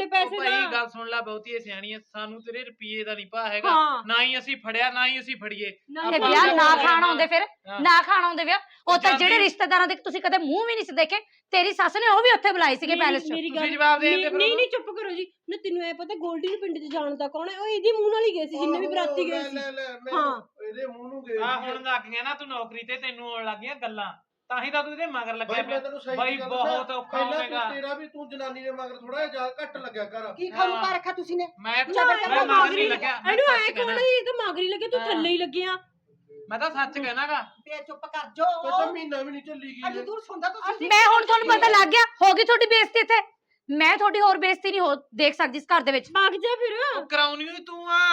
C: ਤੁਹਾਡੇ ਪੈਸੇ
E: ਭਾਈ
C: ਦਾ
E: ਗੱਲ ਸੁਣ ਲੈ ਬਹੁਤੀ ਸਿਆਣੀ ਐ ਸਾਨੂੰ ਤੇਰੇ ਰੁਪਏ ਦਾ ਨਹੀਂ ਭਾ ਹੈਗਾ
C: ਹਾਂ
E: ਨਾ ਹੀ ਅਸੀਂ ਫੜਿਆ ਨਾ ਹੀ ਅਸੀਂ ਫੜੀਏ
B: ਤੇ ਵਿਆਹ ਨਾ ਖਾਣ ਆਉਂਦੇ ਫਿਰ ਨਾ ਖਾਣ ਆਉਂਦੇ ਵਿਆਹ ਉਹ ਤਾਂ ਜਿਹੜੇ ਰਿਸ਼ਤੇਦਾਰਾਂ ਦੇ ਤੁਸੀਂ ਕਦੇ ਮੂੰਹ ਵੀ ਨਹੀਂ ਸੀ ਦੇਖੇ ਤੇਰੀ ਸੱਸ ਨੇ ਉਹ ਵੀ ਉੱਥੇ ਬੁਲਾਏ ਸੀਗੇ ਪੈਲਸ 'ਚ
C: ਮੇਰੀ
E: ਤੁਸੀਂ
C: ਗੱਲ
E: ਜਵਾਬ ਦੇ ਦਿੰਦੇ ਫਿਰ
C: ਨਹੀਂ
E: ਉਹਨੂੰ।
C: ਨਹੀਂ ਚੁੱਪ ਕਰੋ ਜੀ ਨਾ ਤੈਨੂੰ ਐ ਪਤਾ ਗੋਲਡੀ ਨੂੰ ਪਿੰਡ 'ਚ ਜਾਣਦਾ ਕੌਣ ਹੈ ਉਹ ਇਹਦੀ ਮੂੰਹ ਨਾਲ ਹੀ ਗਏ ਸੀ ਜਿੰਨੇ ਵੀ ਬਰਾਤੀ ਗਏ ਸੀ
D: ਹਾਂ ਇਹਦੇ ਮੂੰਹ ਨੂੰ ਗਏ
E: ਆ ਹੁਣ ਲੱਗ ਗਿਆ ਨਾ ਤੂੰ ਨੌਕਰੀ ਤੇ ਤੈਨੂੰ ਆਉਣ ਲੱਗ ਗਈਆਂ ਗੱਲਾਂ ਤਾਂ ਹੀ ਤਾਂ ਤੂੰ ਇਹਦੇ ਮਗਰ ਲੱਗਿਆ
D: ਬਾਈ ਮੈਂ
E: ਪਿਆ
D: ਤੈਨੂੰ ਸਹੀ
E: ਬਾਈ
D: ਗੱਲ
E: ਬਹੁਤ
D: ਦੱਸਾਂ,
E: ਔਖਾ
D: ਪਹਿਲਾਂ
E: ਹੋਵੇਗਾ
D: ਤੇਰਾ ਵੀ ਤੂੰ ਜਨਾਨੀ ਦੇ ਮਗਰ ਥੋੜਾ ਜਿਹਾ ਘੱਟ ਲੱਗਿਆ ਕਰ
A: ਕੀ ਖਾਣੂ ਪਾ ਰੱਖਿਆ ਤੁਸੀਂ ਨੇ
E: ਮੈਂ
C: ਨਾ
E: ਮੈਂ
C: ਇਹਦਾ
E: ਮਗਰ ਨਹੀਂ ਲੱਗਿਆ ਮੈਂ
C: ਇਹਨੂੰ
E: ਸੱਚ
C: ਐ ਕੌਣ
E: ਕਹਿਣਾ।
C: ਹੈ ਇਹ ਤਾਂ ਮਾਗਰੀ ਲੱਗੇ ਤੂੰ ਥੱਲੇ ਹੀ ਲੱਗਿਆ
E: ਮੈਂ ਤਾਂ ਸੱਚ ਕਹਿਣਾਗਾ
A: ਬੇ ਚੁੱਪ ਕਰ ਜੋ
D: ਉਹ ਤਾਂ ਮਹੀਨਾ ਵੀ ਨਹੀਂ ਚੱਲੀ
A: ਅੱਜ
D: ਗਈ
A: ਦੂਰ ਸੁਣਦਾ ਤੁਸੀਂ
B: ਮੈਂ ਹੁਣ ਤੁਹਾਨੂੰ ਪਤਾ ਲੱਗ ਗਿਆ ਹੋ ਗਈ ਤੁਹਾਡੀ ਬੇਇੱਜ਼ਤੀ ਇੱਥੇ ਮੈਂ ਤੁਹਾਡੀ ਹੋਰ ਬੇਇੱਜ਼ਤੀ ਨਹੀਂ ਹੋ ਦੇਖ ਸਕਦੀ ਇਸ ਘਰ ਦੇ ਵਿੱਚ
C: ਭਾਗ ਜਾ ਫਿਰ
E: ਉਹ ਕਰਾਉਣੀ ਹੋਈ ਤੂੰ ਆ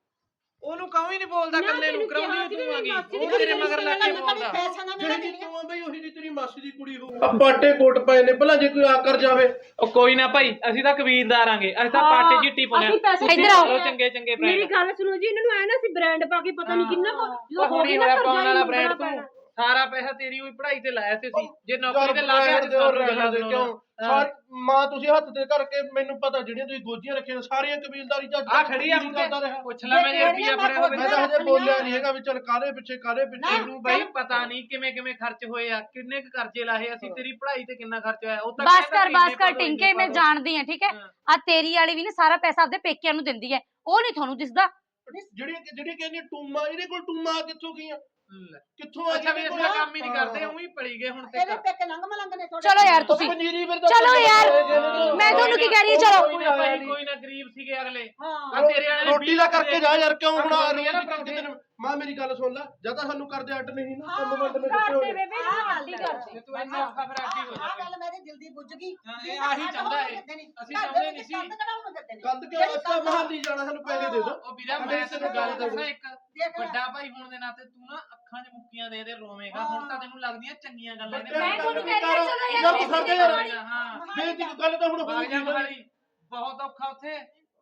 E: ਉਹਨੂੰ ਕਹੋ ਹੀ ਨਹੀਂ ਬੋਲਦਾ
C: ਨਾ
E: ਕੱਲੇ ਨੂੰ
C: ਤੈਨੂੰ
E: ਕਰਾਉਣੀ
C: ਕਿਹਾ
E: ਹੋਈ
C: ਸੀ
E: ਤੂੰ
C: ਵੀ
E: ਆਗੀ
C: ਮਾਸੀ ਦੀ
E: ਉਹ ਤੇਰੇ
C: ਕੁੜੀ
E: ਮਗਰ ਲੱਗ ਕੇ
A: ਕਦੇ
E: ਬੋਲਦਾ
A: ਪੈਸਾ ਨਾ ਮੇਰਾ
D: ਜਿਹੜੀ
A: ਦੇਣੀਆਂ
D: ਤੂੰ ਆ ਬਈ ਉਹੀ ਦੀ ਤੇਰੀ ਮਾਸੀ ਦੀ ਕੁੜੀ ਹੋ ਆ ਪਾਟੇ ਕੋਟ ਪਏ ਨੇ ਭਲਾ ਜੇ ਕੋਈ ਆ ਕਰ ਜਾਵੇ
E: ਉਹ ਕੋਈ ਨਾ ਭਾਈ ਅਸੀਂ ਤਾਂ ਕਬੀਲਦਾਰ ਆਂਗੇ ਅਸੀਂ ਤਾਂ
C: ਹਾਂ,
E: ਪਾਟੇ ਚਿੱਟੀ ਪਾਉਣੇ
C: ਅਸੀਂ ਪੈਸੇ
E: ਤੁਸੀਂ
B: ਇੱਧਰ ਆਓ।
E: ਕਰੋ ਚੰਗੇ ਚੰਗੇ
C: ਮੇਰੀ
E: ਬ੍ਰਾਂਡ
C: ਗੱਲ ਸੁਣੋ ਜੀ ਇਹਨਾਂ ਨੂੰ ਐ ਨਾ ਸੀ ਬ੍ਰਾਂਡ ਪਾ ਕੇ ਪਤਾ ਨਹੀਂ ਕਿੰਨਾ ਕੁ ਜਦੋਂ ਹੋ
E: ਹੁਣੀ
C: ਗਏ ਨਾ
E: ਹੋਇਆ
C: ਘਰ
E: ਪਾਉਣ ਵਾਲਾ
C: ਜਾਈ
E: ਬ੍ਰਾਂਡ
C: ਮੰਗਣਾ
E: ਤੂੰ
C: ਪੈਣਾ।
E: ਸਾਰਾ ਪੈਸਾ ਤੇਰੀ ਹੋਈ ਪੜ੍ਹਾਈ ਤੇ ਲਾਇਆ ਸੀ ਅਸੀਂ ਜੇ
D: ਯਾਰ
E: ਨੌਕਰੀ ਤੇ ਲਾ ਕੇ ਅੱਜ ਸਾਨੂੰ ਗੱਲਾਂ
D: ਦੇ
E: ਸੁਣਾਉਣਾ।
D: ਕਿਉਂ ਸਾਰੀ ਮਾਂ ਤੁਸੀਂ ਹੱਥ ਤੇ ਕਰਕੇ ਮੈਨੂੰ ਪਤਾ ਜਿਹੜੀਆਂ ਤੁਸੀਂ ਗੋਜੀਆਂ ਰੱਖੀਆਂ ਨੇ, ਸਾਰੀਆਂ ਕਬੀਲਦਾਰੀ ਚ
E: ਆ ਖੜੀ ਆ ਮੁੰਡੇ
D: ਕਰਦਾ ਰਿਹਾ
E: ਪੁੱਛ ਲੈ ਮੈਂ ਜੇ ਰੁਪਿਆ ਫੜਿਆ ਹੋਵੇ
D: ਮੈਂ ਤਾਂ ਹਜੇ ਬੋਲਿਆ ਨਹੀਂ ਹੈਗਾ ਵੀ ਚੱਲ ਕਾਹਦੇ ਪਿੱਛੇ
E: ਤੈਨੂੰ ਬਾਈ ਪਤਾ ਨਹੀਂ ਕਿਵੇਂ ਕਿਵੇਂ ਖਰਚ ਹੋਏ ਆ ਕਿੰਨੇ ਕੁ ਕਰਜ਼ੇ ਲਾਏ ਅਸੀਂ ਤੇਰੀ ਪੜ੍ਹਾਈ ਤੇ ਕਿੰਨਾ ਖਰਚ ਹੋਇਆ ਉਹ ਤਾਂ
B: ਬਸ ਕਰ ਟਿੰਕੇ ਮੈਂ ਜਾਣਦੀ ਆ ਠੀਕ ਹੈ ਆ ਤੇਰੀ ਵਾਲੀ ਵੀ ਨਾ ਸਾਰਾ ਪੈਸਾ ਆਪਦੇ ਪੇਕਿਆਂ ਨੂੰ ਦਿੰਦੀ ਹੈ ਉਹ ਨਹੀਂ ਤੁਹਾਨੂੰ ਦਿਸਦਾ
D: ਜਿਹੜੀ ਕਹਿੰਦੀ ਟੂਮਾ ਇਹਦੇ ਕੋਲ ਟੂਮਾ ਕਿੱਥੋਂ ਗਈਆਂ ਕਿੱਥੋਂ ਆ
E: ਅੱਛਾ ਵੀ ਅਸੀਂ ਤਾਂ ਕੰਮ ਹੀ ਨਹੀਂ ਕਰਦੇ ਉਹੀ ਪੜੀ ਗਏ ਹੁਣ ਤੇ
A: ਇਹਦੇ ਪੇਕੇ ਲੰਘ ਮਲੰਗ ਨੇ ਤੁਹਾਡੇ
B: ਚਲੋ ਯਾਰ ਤੁਸੀਂ
D: ਪੰਜੀਰੀ ਫਿਰ
B: ਚਲੋ ਯਾਰ ਮੈਂ ਤੁਹਾਨੂੰ ਕੀ ਕਹਿ ਰਹੀ ਹਾਂ ਚਲੋ
E: ਕੋਈ ਨਾ ਗਰੀਬ ਸੀਗੇ ਅਗਲੇ
A: ਹਾਂ
E: ਆ ਤੇਰੇ ਵਾਲੇ ਨੇ
D: ਰੋਟੀ ਦਾ ਕਰਕੇ ਜਾ ਯਾਰ ਕਿਉਂ ਹੁਣ ਆ ਰਹੀ
E: ਆ ਨਾ
D: ਹੈ ਮਾਂ ਮੇਰੀ ਗੱਲ ਸੁਣ ਲੈ ਜਾਂ ਤਾਂ ਸਾਨੂੰ ਕਰਦੇ ਅੱਡ ਨਹੀਂ ਨਾ ਕੰਮ ਵੰਡ ਮੇ
C: ਘਰ
D: ਕਿੱਥੇ
C: ਦੇ ਬੇਬੇ
A: ਆਹ
C: ਨੂੰ
A: ਗੱਲ
C: ਆਂਟੀ
A: ਹੈ।
C: ਕਰਦੇ
E: ਤੂੰ ਇੰਨਾ ਔਖਾ ਫਿਰ ਅੱਡੀ ਹੋ
A: ਆਹ
E: ਜਾ
A: ਗੱਲ ਮੇਰੇ ਦਿਲ ਦੀ ਬੁੱਝ ਗਈ
E: ਹਾਂ,
A: ਵੀ
E: ਇਹ ਆਹੀ
A: ਸਾਡੇ
E: ਚਾਹੁੰਦਾ
A: ਕੋਲ
E: ਹੈ।
A: ਦਿੰਦੇ ਨੀ।
E: ਅਸੀਂ
A: ਘਰ
E: ਚਾਹੁੰਦੇ
A: ਦੇ
E: ਨਹੀਂ
A: ਵਿੱਚ
E: ਸੀ।
A: ਕੰਧ ਕਢਾਉਣ ਦਿੰਦੇ ਨੇ।
D: ਕੰਦ ਕਿਉਂ
A: ਜਿਹੜੀ
D: ਅੱਛਾ
A: ਕੰਧ-
D: ਮਹਾਲੀ ਜਾਣਾ ਸਾਨੂੰ ਪੈਸੇ ਦੇ ਦੋ
E: ਉਹ ਵੀਰਾ ਮੈਂ ਤੈਨੂੰ ਗੱਲ ਦੱਸਾਂ ਇੱਕ
A: ਦੇਖ ਲੈ।
E: ਵੱਡਾ ਭਾਈ ਹੋਣ ਦੇ ਨਾਤੇ ਤੂੰ ਨਾ ਅੱਖਾਂ 'ਚ ਮੁੱਕੀਆਂ ਦੇ ਦੇ ਰੋਵੇਂਗਾ ਹੁਣ ਤਾਂ ਤੈਨੂੰ ਲੱਗਦੀਆਂ ਚੰਗੀਆਂ ਗੱਲਾਂ ਇਹਦੇ
B: ਮੈਂ
E: ਬਾਰੇ।
B: ਤੁਹਾਨੂੰ ਕਹਿ ਰਹੀ ਹਾਂ, ਚਲੋ ਯਾਰ,
D: ਤੂੰ ਸਾਡੇ ਯਾਰ
E: ਹਾਂ
D: ਬੇਟੀ ਗੱਲ ਤਾਂ ਹੁਣ
E: ਬਾਗ ਜਾ
D: ਹੋਊਗੀ
E: ਮਹਾਲੀ ਬਹੁਤ ਔਖਾ ਉੱਥੇ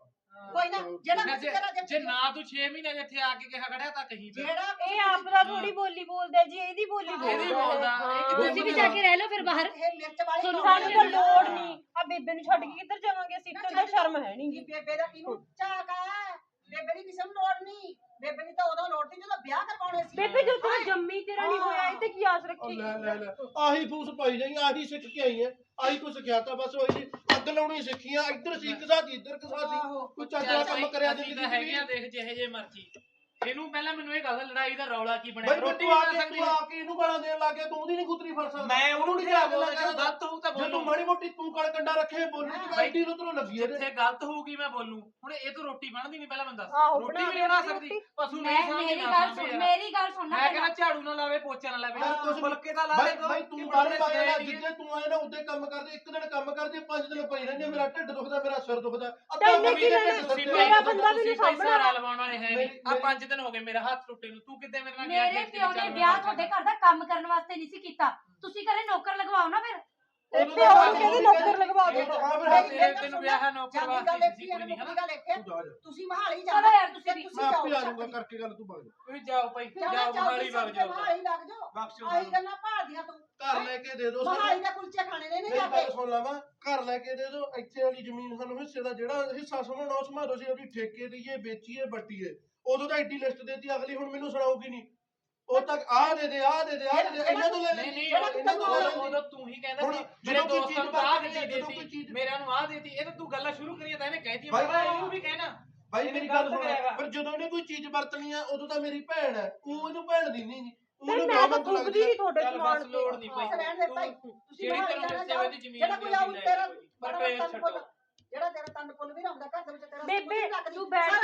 A: ਕੋਈ ਨਾ ਜਿਹੜਾ
E: ਜੇ-
A: ਮਰਜ਼ੀ ਕਰਾ
E: ਜੇ ਨਾ ਤੂੰ 6 ਮਹੀਨੇ ਇੱਥੇ ਆ ਕੇ ਕਿਹਾ ਖੜਿਆ ਤਾਂ ਕਹੀਂ ਫਿਰ
A: ਜਿਹੜਾ
C: ਇਹ ਆਪ ਦਾ ਥੋੜੀ ਬੋਲੀ ਬੋਲਦਾ ਜੀ ਇਹਦੀ ਬੋਲੀ
E: ਇਹਦੀ
C: ਬੋਲਦਾ
E: ਬੋਲਦਾ ਇਹ ਕਿੱਥੇ
B: ਤੁਸੀਂ ਵੀ ਜਾ ਕੇ ਰਹਿ ਲਓ ਫਿਰ ਬਾਹਰ
A: ਇਹ ਮਿਰਚ ਵਾਲੀ
B: ਤੁਹਾਨੂੰ
C: ਸਾਨੂੰ ਤਾਂ ਲੋੜ ਨਹੀਂ ਆ ਬੇਬੇ ਨੂੰ ਛੱਡ ਕੇ ਕਿੱਧਰ ਜਾਵਾਂਗੇ ਅਸੀਂ ਤਾਂ ਉਹਦਾ ਸ਼ਰਮ ਹੈ ਨਹੀਂ
A: ਕੀ ਬੇਬੇ ਦਾ ਕਿਹਨੂੰ ਝਾਕ ਹੈ ਬੇਬੇ ਦੀ ਕਿਸੇ ਨੂੰ ਲੋੜ ਨਹੀਂ ਬੇਬੇ ਦੀ ਤਾਂ ਉਦੋਂ ਲੋੜ ਸੀ ਜਦੋਂ ਵਿਆਹ ਕਰਵਾਉਣੇ ਸੀ
C: ਬੇਬੇ ਜੋ ਤੂੰ ਜੰਮੀ ਤੇਰਾ ਨਹੀਂ ਹੋਇਆ ਇਹ ਤੇ ਕੀ ਆਸ ਰੱਖੀ
D: ਲੈ ਲੈ ਲੈ ਆਹੀ ਫੂਸ ਪਾਈ ਜਾਈ ਆਹੀ ਸਿੱਖ ਕੇ ਆਈ ਹੈ ਆਹੀ ਕੁਛ ਸਿੱਖਿਆ ਤਾਂ ਬਸ ਉਹੀ ਅੱਗ ਲਾਉਣੀ ਸਿੱਖੀਆਂ ਇੱਧਰ ਸੀ ਕਸਾਤੀ ਇੱਧਰ ਕਸਾਤੀ ਕੋਈ ਚੱਜ ਦਾ ਕੰਮ ਕਰਿਆ
E: ਅਸੀਂ
D: ਜਿੰਦਗੀ
E: ਤਾਂ
D: ਚ ਵੀ
E: ਹੈਗੀਆਂ ਦੇਖ ਜਿਹੇ ਜੇ ਮਰਜੀ ਇਹਨੂੰ ਪਹਿਲਾਂ ਮੈਨੂੰ ਇਹ ਗੱਲ ਲੜਾਈ ਦਾ ਰੌਲਾ ਕੀ ਬਣਿਆ
D: ਬਈ
E: ਰੋਟੀ
D: ਤੂੰ ਆ
E: ਬਣਾ
D: ਕੇ
E: ਸਕਦੀ
D: ਤੂੰ ਆ ਕੇ ਇਹਨੂੰ ਗਾਲਾਂ ਦੇਣ ਲੱਗ ਗਿਆ ਤੂੰ ਉਹਦੀ ਨਹੀਂ ਗੁੱਤਰੀ ਫੜ ਸਕਦਾ
E: ਮੈਂ ਉਹਨੂੰ ਨਹੀਂ ਕਿਹਾ ਬੋਲਦਾ ਜੇ ਗਲਤ ਹੋਊ ਤਾਂ
D: ਜੇ ਤੂੰ
E: ਬੋਲੂ
D: ਮਾੜੀ ਮੋਟੀ ਤੂੰ ਕੜ ਕੰਡਾ ਰੱਖੇ ਬੋਲਣੀ ਦੀ ਬੈਠੀ ਨੂੰ ਤੈਨੂੰ ਲੱਗੀ ਇਹਦੇ
E: ਜਿੱਥੇ ਗਲਤ ਹੋਊਗੀ ਮੈਂ ਬੋਲੂ ਹੁਣ ਇਹ ਤੋਂ ਰੋਟੀ ਬਣਦੀ ਨਹੀਂ ਪਹਿਲਾਂ ਬੰਦਾ
C: ਆਹੋ,
E: ਰੋਟੀ
C: ਬਣਾ
E: ਵੀ ਨਹੀਂ ਬਣਾ
C: ਦੇ
E: ਸਕਦੀ ਪਸ਼ੂ
B: ਮੈਂ
E: ਨਹੀਂ ਸਾਂਭਦੀ
B: ਮੇਰੀ
E: ਨਾ
B: ਗੱਲ
E: ਸਾਂਭੇ
B: ਸੁਣ
E: ਯਾਰ।
B: ਮੇਰੀ ਗੱਲ ਸੁਣਨਾ
E: ਮੈਂ ਕਹਿੰਦਾ ਝਾੜੂ ਨਾ ਲਾਵੇ ਪੋਚਾ ਨਾ ਲਾਵੇ
D: ਯਾਰ ਕੁਛ
E: ਫੁਲਕੇ ਤਾਂ ਲਾ
D: ਬਾਈ
E: ਦੇ
D: ਬਾਈ ਤੂੰ ਬਾਰੇ ਬਾਰੇ ਜਿੱਦੇ ਤੂੰ ਆਏ ਨਾ ਉੱਤੇ ਕੰਮ ਕਰਦੇ ਇੱਕ ਦਿਨ ਕੰਮ ਕਰਦੇ 5 ਦਿਨ ਪਈ ਰਹਿੰਦੀ ਮੇਰਾ ਢਿੱਡ ਦੁਖਦਾ ਮੇਰਾ ਸਿਰ ਦੁਖਦਾ
C: ਤੈਨੂੰ ਕੀ ਲੈਣਾ?
E: ਤੁਸੀਂ
C: ਮੇਰਾ ਬੰਦਾ ਵੀ ਨਹੀਂ
E: ਸਾਹਮਣਾ
C: ਸਾਂਭਣਾ।
E: ਲਵਾਉਣ ਵਾਲੇ ਹੈ ਨਹੀਂ ਆ 5 ਦਿਨ ਹੋ ਗਏ ਮੇਰਾ ਹੱਥ ਟੁੱਟੇ ਨੂੰ ਤੂੰ ਕਿੱਦੇ ਮੇਰੇ ਨਾਲ ਗਿਆ
B: ਮੇਰੇ ਪਿਓ ਨੇ ਵਿਆਹ ਤੁਹਾਡੇ ਘਰ ਦਾ ਕੰਮ ਕਰਨ ਵਾਸਤੇ ਨਹੀਂ ਸੀ ਕੀਤਾ ਤੁਸੀਂ ਘਰੇ ਨੌਕਰ ਲਗਵਾਓ ਨਾ ਫਿਰ
C: ਤੇ ਪਿਓ ਨੂੰ ਕਹਿੰਦੇ ਨੌਕਰ ਲਗਵਾ ਦੇ
E: ਤੈਨੂੰ ਵਿਆਹ ਹੈ ਨੌਕਰ ਵਾਸਤੇ ਕਿਸੇ ਕੁੜੀ ਨਹੀਂ ਹਨਾ
A: ਤੁਸੀਂ ਮਹਾਲੀ
B: ਚਲੋ
A: ਜਾਓ
B: ਯਾਰ ਤੁਸੀਂ ਵੀ
D: ਮੈਂ ਆਪੇ ਆ ਜਾਊਂਗਾ ਕਰਕੇ ਗੱਲ ਤੂੰ ਬਾਗ
E: ਤੁਸੀਂ ਜਾਓ ਭਾਈ ਜਾਓ ਮਹਾਲੀ ਵਗ ਜਾਓ
A: ਮਹਾਲੀ ਲੱਗ ਜਾਓ
E: ਬਖਸ਼ੋ
A: ਆਹੀ ਗੱਲਾਂ ਭਾਲਦੀਆਂ ਤੂੰ
D: ਘਰ ਲੈ ਕੇ ਦੇ ਦੋ
A: ਮਹਾਲੀ ਦੇ ਕੁਲਚੇ ਖਾਣੇ ਨੇ
D: ਮੇਰੀ
A: ਜਾ
D: ਗੱਲ
A: ਕੇ
D: ਸੁਣ ਲਵਾਂ ਘਰ ਲੈ ਕੇ ਦੇ ਦੋ ਇੱਥੇ ਵਾਲੀ ਜ਼ਮੀਨ ਸਾਨੂੰ ਹਿੱਸੇ ਦਾ ਜਿਹੜਾ ਹਿੱਸਾ ਸਮਝਣਾ ਉਸ ਮਾਰੋ ਸੀ ਉਹਦੀ ਠੇਕੇ ਦਈਏ ਵੇਚੀਏ ਵੱਟੀਏ ਉਦੋਂ ਤਾਂ ਐਡੀ ਲਿਸਟ ਦੇਤੀ ਅਗਲੀ ਹੁਣ ਮੈਨੂੰ ਸੁਣਾਉਗੀ ਨਹੀਂ ਉਹ ਤੱਕ ਆ ਦੇ ਦੇ ਆ ਦੇ ਦੇ ਆ ਦੇ ਦੇ ਇਹਨਾਂ ਤੋਂ ਲੈ
E: ਨਹੀਂ ਨਹੀਂ
D: ਇਹਨਾਂ ਤੋਂ ਲੈ
E: ਉਦੋਂ ਤੂੰ ਹੀ ਕਹਿੰਦਾ
D: ਹੁਣ
E: ਸੀ
D: ਜਦੋਂ
E: ਮੇਰੇ
D: ਕੋਈ
E: ਦੋਸਤਾਂ
D: ਚੀਜ਼
E: ਨੂੰ ਆਹ
D: ਵਰਤਣੀ
E: ਗੱਡੀ
D: ਜਦੋਂ ਕੋਈ
E: ਦੇਤੀ
D: ਚੀਜ਼
E: ਮੇਰਿਆਂ ਨੂੰ ਆਹ ਦੇਤੀ ਇਹ ਤਾਂ ਤੂੰ ਗੱਲਾਂ ਸ਼ੁਰੂ ਕਰੀਆਂ ਤਾਂ ਇਹਨੇ ਕਹਿਤੀ
D: ਬਾਈ,
E: ਮੈਂ ਇਹਨੂੰ ਵੀ ਕਹਿਣਾ
D: ਭਾਈ ਮੇਰੀ ਗੱਲ ਸੁਣ ਪਰ ਜਦੋਂ ਇਹਨੇ ਕੋਈ ਚੀਜ਼ ਵਰਤਣੀ ਆ ਉਦੋਂ ਤਾਂ ਮੇਰੀ ਭੈਣ ਹੈ ਉਹ ਇਹਨੂੰ ਭੈਣ ਦੀ ਨਹੀਂ ਉਹਨੂੰ
C: ਮੈਂ ਤਾਂ ਥੁੱਕਦੀ ਨਹੀਂ ਤੁਹਾਡੇ
E: ਚੱਲ
C: ਸਮਾਨ
E: ਬਸ
C: ਤੇ
E: ਲੋੜ ਨਹੀਂ
A: ਬਸ ਰਹਿਣ ਦੇ ਭਾਈ
E: ਭਾਈ
A: ਤੁਸੀਂ
E: ਜਿਹੜੀ
A: ਮਹਾਲੀ
E: ਤੈਨੂੰ
A: ਜਾਣਾ
E: ਹਿੱਸੇ ਦੀ ਜ਼ਮੀਨ
A: ਜਿਹੜਾ ਕੋਈ ਆਉ ਤੇਰਾ
E: ਪਰ ਕਲੇਸ਼ ਛੱਡੋ
A: ਜਿਹੜਾ ਤੇਰਾ ਤੰਦ ਪੁੱਲ ਵੀ ਆਉਂਦਾ ਘਰ ਦੇ ਵਿੱਚ ਤੇਰਾ
C: ਬੇਬੇ ਤੂੰ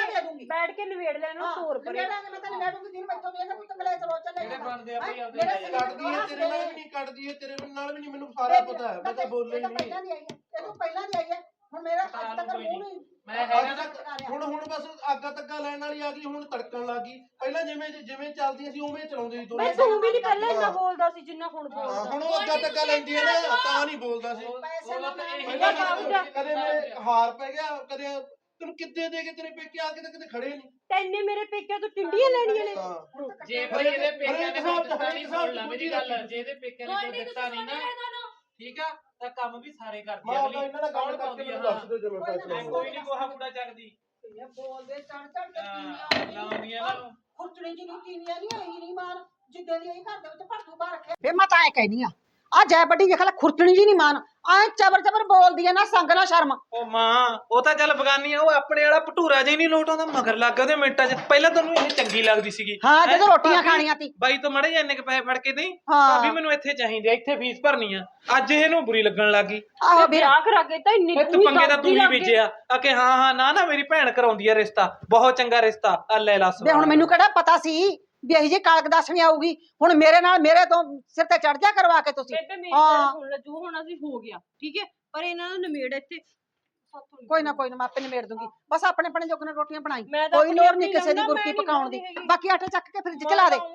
C: ਬੈਠ ਕੇ ਨਵੇੜ ਲੈ ਇਹਨੂੰ ਤੋਰ ਪਰੇ
A: ਮੈਂ ਤਾਂ ਨਵੇੜੂਗੀ ਦਿਨ ਮੈਥੋਂ ਵੀ ਇਹਦਾ ਕੋਈ ਤੰਗਲੇ ਚਲੋ ਚੱਲੇ
E: ਜਿਹੜੇ ਬਣਦੇ ਆ ਭਾਈ ਆਪਦੇ
A: ਮੇਰੇ
E: ਲੈ
D: ਕੱਢਦੀ ਹੈ ਤੇਰੇ ਨਾਲ ਵੀ ਨਹੀਂ ਕੱਢਦੀ ਹੈ ਤੇਰੇ ਨਾਲ ਵੀ ਨਹੀਂ ਮੈਨੂੰ ਸਾਰਾ ਪਤਾ ਹੈ ਮੈਂ ਤਾਂ ਬੋਲੇ ਹੀ ਨਹੀਂ
A: ਪਹਿਲਾਂ ਦੀ ਆਈ ਹੈ ਇਹ ਤੋਂ ਪਹਿਲਾਂ ਦੀ ਆਈ ਹੈ ਹੁਣ ਮੇਰਾ ਅੱਜ ਤੱਕ ਮੂੰਹ ਨਹੀਂ
E: ਮੈਂ ਹੈਗਾ
D: ਅੱਜ ਤੱਕ ਹੁਣ ਬਸ ਆਗਾ ਤੱਕਾ ਲੈਣ ਵਾਲੀ ਆ ਗਈ ਹੁਣ ਤੜਕਣ ਲੱਗ ਗਈ ਪਹਿਲਾਂ ਜਿਵੇਂ ਚੱਲਦੀਆਂ ਸੀ ਉਵੇਂ ਚਲਾਉਂਦੇ ਸੀ
C: ਮੈਂ ਤੂੰ ਵੀ ਨਹੀਂ ਪਹਿਲਾਂ ਇੰਨਾ ਬੋਲਦਾ ਸੀ ਜਿੰਨਾ ਹੁਣ
D: ਹਾਂ,
C: ਬੋਲਦਾ
D: ਹੁਣ ਉਹ ਅੱਗਾ ਤੱਕਾ ਲੈਂਦੀ ਹੈ ਨਾ ਤਾਂ ਨਹੀਂ ਬੋਲਦਾ ਸੀ
A: ਪੈਸੇ ਨਾ
D: ਪਹਿਲਾਂ ਕਦੇ ਮੈਂ ਹਾਰ ਪੈ ਗਿਆ ਕਦੇ ਤੈਨੂੰ ਕਿੱਦੇ ਦੇ ਕੇ ਤੇਰੇ ਪੇਕੇ ਆ ਕੇ ਤਾਂ ਕਿਤੇ ਖੜੇ ਨਹੀਂ
C: ਤੈਨੇ ਮੇਰੇ ਪੇਕਿਆਂ ਤੋਂ ਟਿੰਡੀਆਂ ਲੈਣੀਆਂ ਨੇ
E: ਜੇ ਭਾਈ ਇਹਦੇ ਪੇਕਿਆਂ ਨੇ ਕੋਈ ਦਿੱਤਾ ਨਹੀਂ ਸੁਣ ਲੈ ਮੇਰੀ ਗੱਲ ਜੇ ਇਹਦੇ ਪੇਕਿਆਂ ਨੇ ਕੋਈ ਦਿੱਤਾ ਨਹੀਂ ਨਾ ਠੀਕ ਆ ਤਾਂ ਕੰਮ ਵੀ ਸਾਰੇ ਕਰਦੀ
D: ਮੈਂ
E: ਆ
D: ਤਾਂ ਇਹਨਾਂ ਨਾਲ ਗੱਲ ਕਰਕੇ ਮੈਨੂੰ ਦੱਸ ਦਿਓ ਜਦੋਂ ਫੈਸਲਾ
E: ਮੈਂ ਕੋਈ ਨਹੀਂ ਕੋਹਾ ਕੂੜਾ ਚੱਕਦੀ
A: ਬੋਲਦੇ ਚੜ ਚੜ ਕੇ
E: ਲਾਉਂਦੀ ਆ ਇਹਨਾਂ ਨੂੰ
A: ਖੁਰਚਣੀ ਜੀ ਨਹੀਂ ਕੀਨੀਆਂ ਨਹੀਂ ਆਈ ਨਹੀਂ ਮਾਨ ਜਿੱਦਾਂ ਦੀ ਇਹ ਘਰ ਦੇ ਵਿੱਚ ਭੜਥੂ ਪਾ ਰੱਖੇ ਵੇ ਮੈਂ ਤਾਂ ਐ ਕਹਿਨੀ ਆ ਜੈ ਵੱਡੀ ਦੇਖ ਲੈ ਖੁਰਚਣੀ ਜੀ ਨਹੀਂ ਮਾਨ ਐ ਚਬਰ ਚਬਰ ਬੋਲਦੀ ਐ ਨਾ ਸੰਗ ਨਾ ਸ਼ਰਮ
E: ਉਹ ਮਾਂ ਉਹ ਤਾਂ ਚੱਲ ਬਗਾਨੀ ਆ ਉਹ ਆਪਣੇ ਵਾਲਾ ਭਟੂਰਾ ਜਿਹਾ ਨਹੀਂ ਲੋਟ ਆਉਂਦਾ ਮਗਰ ਲੱਗ ਗਿਆ ਉਹਦੇ ਮਿੰਟਾਂ 'ਚ ਪਹਿਲਾਂ ਤੈਨੂੰ ਇਹ ਚੰਗੀ ਲੱਗਦੀ ਸੀਗੀ
A: ਹਾਂ ਜਦੋਂ
E: ਹੈਂ?
A: ਰੋਟੀਆਂ
E: ਭਾਬੀ,
A: ਖਾਣੀਆਂ ਤੀ
E: ਬਾਈ ਤੋਂ ਮੜੇ ਇੰਨੇ ਕ ਪੈਸੇ ਫੜ ਕੇ ਦੇਈ
A: ਹਾਂ।
E: ਭਾਬੀ ਮੈਨੂੰ ਇੱਥੇ ਚਾਹੀਦੇ ਆ ਇੱਥੇ ਫੀਸ ਭਰਨੀ ਆ ਅੱਜ ਇਹਨੂੰ ਬੁਰੀ ਲੱਗਣ ਲੱਗ ਗਈ
A: ਆਹੋ ਵੀਰ
C: ਵਿਆਹ ਕਰਾ ਕੇ ਤਾਂ ਇੰਨੀ
E: ਤੂੰ ਪੰਗੇ ਦਾ ਤੂੰ ਹੀ ਬੀਜਿਆ ਆ ਕਿ ਹਾਂ ਨਾ ਮੇਰੀ ਭੈਣ ਕਰਾਉਂਦੀ ਆ ਰਿਸ਼ਤਾ ਬਹੁਤ ਚੰਗਾ ਰਿਸ਼ਤਾ ਆ ਲੈ ਲਾ
A: ਵੇ ਹੁਣ ਮੈਨੂੰ ਕਿਹੜਾ ਪਤਾ ਸੀ ਵੀ ਇਹੀ ਜੀ ਕਾਲਕ ਦੱਸਣੀ ਆਊਗੀ ਹੁਣ ਮੇਰੇ ਨਾਲ ਮੇਰੇ ਤੋਂ ਸਿਰ ਤੇ ਚੜ ਜਾ ਕਰਵਾ ਕੇ ਤੁਸੀਂ
C: ਬੇਬੇ ਮੇਰੀ
A: ਹਾਂ।
C: ਗੱਲ ਸੁਣ ਲੈ ਜੋ ਹੋਣਾ ਸੀ ਹੋ ਗਿਆ ਠੀਕ ਹੈ ਪਰ ਇਹਨਾਂ ਨੂੰ ਨਿਮੇੜ ਇੱਥੇ
A: ਕੋਈ ਨਾ ਮੈਂ ਆਪੇ ਨਿਮੇੜ ਦੂੰਗੀ ਬਸ ਆਪਣੇ ਆਪਣੇ ਜੋਗਨ ਰੋਟੀਆਂ ਬਣਾਈ
C: ਮੈਂ ਤਾਂ
A: ਕੋਈ
C: ਆਪਣੀ
A: ਲੋੜ
C: ਆਪਣੀ
A: ਨਹੀਂ ਕਿਸੇ ਦੀ
C: ਲਾਉਂਦਾ,
A: ਗੁਰਕੀ
C: ਮੈਂ ਨਹੀਂ
A: ਪਕਾਉਣ ਦੀ
C: ਲਾਉਂਦੀ ਹੈਗੀ।
A: ਬਾਕੀ ਆਟਾ ਚੱਕ ਕੇ ਫ੍ਰਿਜ ਚ ਲਾ ਦੇ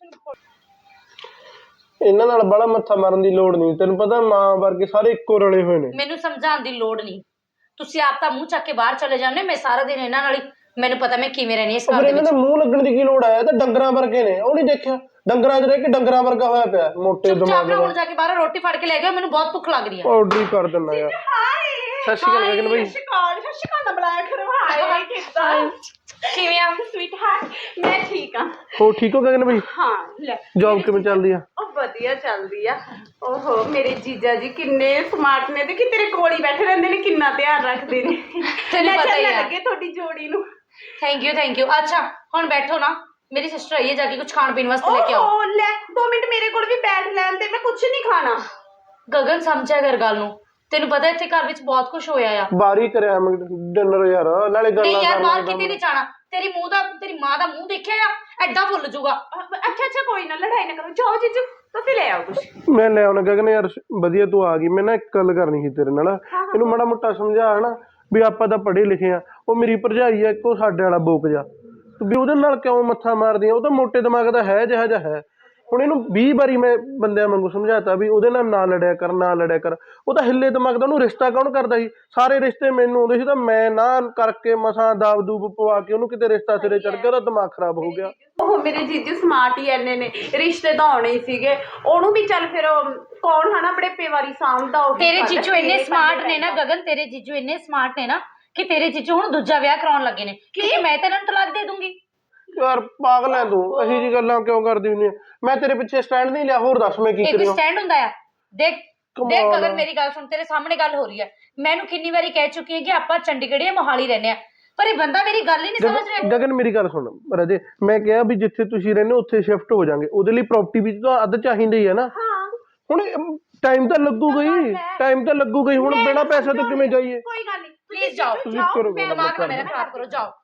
D: ਇਹਨਾਂ ਨਾਲ ਬੜਾ ਮੱਥਾ ਮਾਰਨ ਦੀ ਲੋੜ ਨਹੀਂ ਤੈਨੂੰ ਪਤਾ ਮਾਂ ਵਰਗੇ ਸਾਰੇ ਇੱਕੋ ਰਲੇ ਹੋਏ ਨੇ
B: ਮੈਨੂੰ ਸਮਝਾਉਣ ਦੀ ਲੋੜ ਨਹੀਂ ਤੁਸੀਂ ਆਪ ਤਾਂ ਮੂੰਹ ਚੱਕ ਕੇ ਬਾਹਰ ਚਲੇ ਜਾਂਦੇ ਮੈਂ ਸਾਰਾ ਦਿਨ ਇਹਨਾਂ ਨਾਲ ਹੀ ਮੈਨੂੰ ਪਤਾ ਮੈਂ ਕਿਵੇਂ ਰਹਿਣੀ ਇਸ
D: ਫਿਰ
B: ਘਰ ਦੇ
D: ਇਹਨਾਂ
B: ਵਿੱਚ
D: ਦੇ ਮੂੰਹ ਲੱਗਣ ਦੀ ਕੀ ਲੋੜ ਹੈ ਇਹ ਤਾਂ ਡੰਗਰਾਂ ਵਰਗੇ ਨੇ ਉਹ ਨਹੀਂ ਦੇਖਿਆ ਡੰਗਰਾਂ 'ਚ ਰਹਿ ਕੇ ਡੰਗਰਾਂ ਵਰਗਾ ਹੋਇਆ ਪਿਆ ਮੋਟੇ
B: ਚੁੱਪਚਾਪ
D: ਦਿਮਾਗ
B: ਨਾ
D: ਦਾ
B: ਹੁਣ ਜਾ ਕੇ ਬਾਹਰ ਰੋਟੀ ਫੜ ਕੇ ਲੈ ਜਾਓ ਮੈਨੂੰ ਬਹੁਤ ਭੁੱਖ ਲੱਗ ਰਹੀ ਹੈ
D: ਆਰਡਰ ਹੀ ਕਰ ਦਿੰਦਾ ਯਾਰ ਸਤਿ ਸ਼੍ਰੀ ਅਕਾਲ ਗਗਨ ਬਾਈ
A: ਸ਼ਿਕਾਇਤ ਬੁਲਾਇਆ ਕਰਵਾ
B: ਕਿਵੇਂ ਆ
C: ਸਵੀਟ ਹਾਰਟ ਮੈਂ ਠੀਕ ਆ
D: ਹੋ ਠੀਕ ਹੋ ਗਗਨ ਬਾਈ
C: ਹਾਂ ਲੈ
D: ਜੌਬ ਕਿਵੇਂ ਚੱਲਦੀ ਆ
C: ਉਹ ਵਧੀਆ ਚੱਲਦੀ ਆ ਓਹੋ ਮੇਰੇ ਜੀਜਾ ਜੀ ਕਿੰਨੇ ਸਮਾਰਟ ਨੇ ਤੇ ਕਿ ਤੇਰੇ ਕੋਲ ਹੀ ਬੈਠੇ ਰਹਿੰਦੇ ਨੇ ਕਿੰਨਾ ਧਿਆਨ ਰੱਖਦੇ ਨੇ
B: ਤੈਨੂੰ ਪਤਾ ਹੀ ਆ
C: ਲੱਗੇ ਤੁਹਾਡੀ ਜੋੜੀ ਨੂੰ
B: ਥੈਂਕ ਯੂ ਅੱਛਾ ਹੁਣ ਬੈਠੋ ਨਾ ਮੇਰੀ ਸਿਸਟਰ ਆਈ ਹੈ ਜਾ ਕੇ ਕੁਝ ਖਾਣ ਪੀਣ ਵਾਸਤੇ ਲੈ ਕੇ ਆਓ
C: ਓਹ ਲੈ 2 ਮਿੰਟ ਮੇਰੇ ਕੋਲ ਵੀ ਬੈਠ ਲੈਣ ਤੇ ਮੈਂ ਕੁਝ ਨਹੀਂ ਖਾਣਾ
B: ਗਗਨ ਸਮਝਿਆ ਕਰ ਗੱਲ ਨੂੰ ਤੈਨੂੰ ਪਤਾ ਇੱਥੇ ਘਰ ਵਿੱਚ ਬਹੁਤ ਕੁਝ ਹੋਇਆ ਆ
D: ਬਾਰੀ ਕਰਿਆ ਮੈਂ ਡਿਨਰ ਯਾਰ ਨਾਲੇ
B: ਨਹੀਂ
D: ਗੱਲਾਂ
B: ਯਾਰ ਬਾਹਰ
D: ਕਰਨਾ
B: ਕਿਤੇ ਨਹੀਂ ਜਾਣਾ ਤੇਰੀ ਮਾਂ ਦਾ ਮੂੰਹ ਦੇਖਿਆ ਆ ਐਡਾ ਫੁੱਲ ਜਾਊਗਾ
C: ਅੱਛਾ ਕੋਈ ਨਾ ਲੜਾਈ ਨਾ ਕਰੋ ਜਾਓ ਜੀਜੂ ਤੁਸੀਂ ਲੈ ਆਓ ਕੁਝ
D: ਮੈਂ ਲੈ ਆਉਣਾ ਗਗਨ ਯਾਰ ਵਧੀਆ ਤੂੰ ਆ ਗਈ ਮੈਂ ਨਾ ਇੱਕ ਗੱਲ ਕਰਨੀ ਸੀ ਤੇਰੇ ਨਾਲ ਇਹਨੂੰ ਮਾੜਾ ਮੋਟਾ ਸਮਝਾ ਹਨਾ ਵੀ ਆਪਾਂ ਤਾਂ ਪੜ੍ਹੇ ਲਿਖੇ ਆ ਉਹ ਮੇਰੀ ਭਰਜਾਈ ਆ ਇੱਕੋ ਸਾਡੇ ਵਾਲਾ ਬੋਕ ਜਾ ਵੀ ਉਹਦੇ ਨਾਲ ਕਿਉਂ ਮੱਥਾ ਮਾਰਦੀ ਆ ਉਹ ਤਾਂ ਮੋਟੇ ਦਿਮਾਗ ਦਾ ਹੈ ਜਿਹਾ ਜਿਹਾ ਹੈ ਹੁਣ ਇਹਨੂੰ 20 ਵਾਰੀ ਮੈਂ ਬੰਦਿਆਂ ਵਾਂਗੂ ਸਮਝਾਤਾ ਵੀ ਉਹਦੇ ਨਾਲ ਨਾ ਲੜਿਆ ਕਰ ਉਹ ਤਾਂ ਹਿੱਲੇ ਦਿਮਾਗ ਦਾ ਉਹਨੂੰ ਰਿਸ਼ਤਾ ਕੌਣ ਕਰਦਾ ਸੀ ਸਾਰੇ ਰਿਸ਼ਤੇ ਮੈਨੂੰ ਆਉਂਦੇ ਸੀ ਤਾਂ ਮੈਂ ਨਾ ਕਰਕੇ ਮਸਾਂ ਦਾਬ ਦੂਬ ਪਵਾ ਕੇ ਉਹਨੂੰ ਕਿਤੇ ਰਿਸ਼ਤਾ ਸਿਰੇ ਚੜ ਗਿਆ ਉਹਦਾ ਦਿਮਾਗ ਖਰਾਬ ਹੋ ਗਿਆ
C: ਉਹ ਮੇਰੇ ਜੀਜੂ ਸਮਾਰਟ ਹੀ ਐਨੇ ਨੇ ਰਿਸ਼ਤੇ ਤਾਂ ਆਉਣੇ ਹੀ ਸੀਗੇ ਉਹਨੂੰ ਵੀ ਚੱਲ ਫਿਰ ਕੌਣ ਹਨਾ ਬੜੇ ਪੇਵਾਰੀ ਸਾਂਭਦਾ ਉਹ
B: ਤੇਰੇ ਜੀਜੂ ਇੰਨੇ ਸਮਾਰਟ ਨੇ ਨਾ ਗਗਨ ਤੇਰੇ ਜੀਜੂ ਇੰਨੇ ਸਮਾਰਟ ਨੇ ਨਾ ਕਿ ਤੇਰੇ ਜੀਜੂ ਹੁਣ ਦੂਜਾ ਵਿਆਹ ਕਰਾਉਣ ਲੱਗੇ ਨੇ ਕਿਉਂਕਿ ਮੈਂ ਤਾਂ ਇਹਨਾਂ ਨੂੰ ਤਲਾਕ ਦੇ ਦੂੰਗੀ
D: ਯਾਰ ਪਾਗਲ ਐ ਤੂੰ ਇਹੀ ਜੀ ਗੱਲਾਂ ਕਿਉਂ ਕਰਦੀ ਹੁੰਦੀ ਆ ਮੈਂ ਤੇਰੇ ਪਿੱਛੇ ਸਟੈਂਡ ਨਹੀਂ ਲਿਆ ਹੋਰ ਦੱਸ ਮੈਂ ਕੀ
B: ਇਹ ਕੋਈ
D: ਕਰਾਂ
B: ਸਟੈਂਡ ਹੁੰਦਾ ਆ ਦੇਖ
D: ਕਮਾਲ ਆ।
B: ਗਗਨ ਮੇਰੀ ਗੱਲ ਸੁਣ ਤੇਰੇ ਸਾਹਮਣੇ ਗੱਲ ਹੋ ਰਹੀ ਹੈ ਮੈਨੂੰ ਕਿੰਨੀ ਵਾਰੀ ਕਹਿ ਚੁੱਕੀ ਹੈ ਕਿ ਆਪਾਂ ਚੰਡੀਗੜ੍ਹ ਜਾਂ ਮੋਹਾਲੀ ਰਹਿੰਦੇ ਆ ਪਰ ਇਹ ਬੰਦਾ ਮੇਰੀ ਗੱਲ ਹੀ ਨਹੀਂ ਸਮਝ ਰਿਹਾ
D: ਗਗਨ ਮੇਰੀ ਗੱਲ ਸੁਣ ਰਾਜੇ ਮੈਂ ਕਿਹਾ ਵੀ ਜਿੱਥੇ ਤੁਸੀਂ ਰਹਿੰਦੇ ਹੋ ਉੱਥੇ ਸ਼ਿਫਟ ਹੋ ਜਾਾਂਗੇ ਉਹਦੇ ਲਈ ਪ੍ਰਾਪਰਟੀ ਵੀ ਤਾਂ ਅੱਧ ਚਾਹੀਦੀ ਹੀ ਹੈ ਨਾ ਹੁਣ ਟਾਈਮ ਤਾਂ ਲੱਗੂਗਾ ਹੀ ਹੁਣ ਬਿਨਾਂ ਪੈਸੇ ਤੋਂ ਕਿਵੇਂ ਜਾਈਏ
C: ਕੋਈ ਗੱਲ ਨਹੀਂ
B: ਪਲੀਜ਼ ਜਾਓ
D: ਤੁਸੀਂ ਕਰੋ ਗੱਲ
B: ਦਿਮਾਗ ਨਾ ਮੇਰਾ ਖਰਾਬ ਕਰੋ ਜਾਓ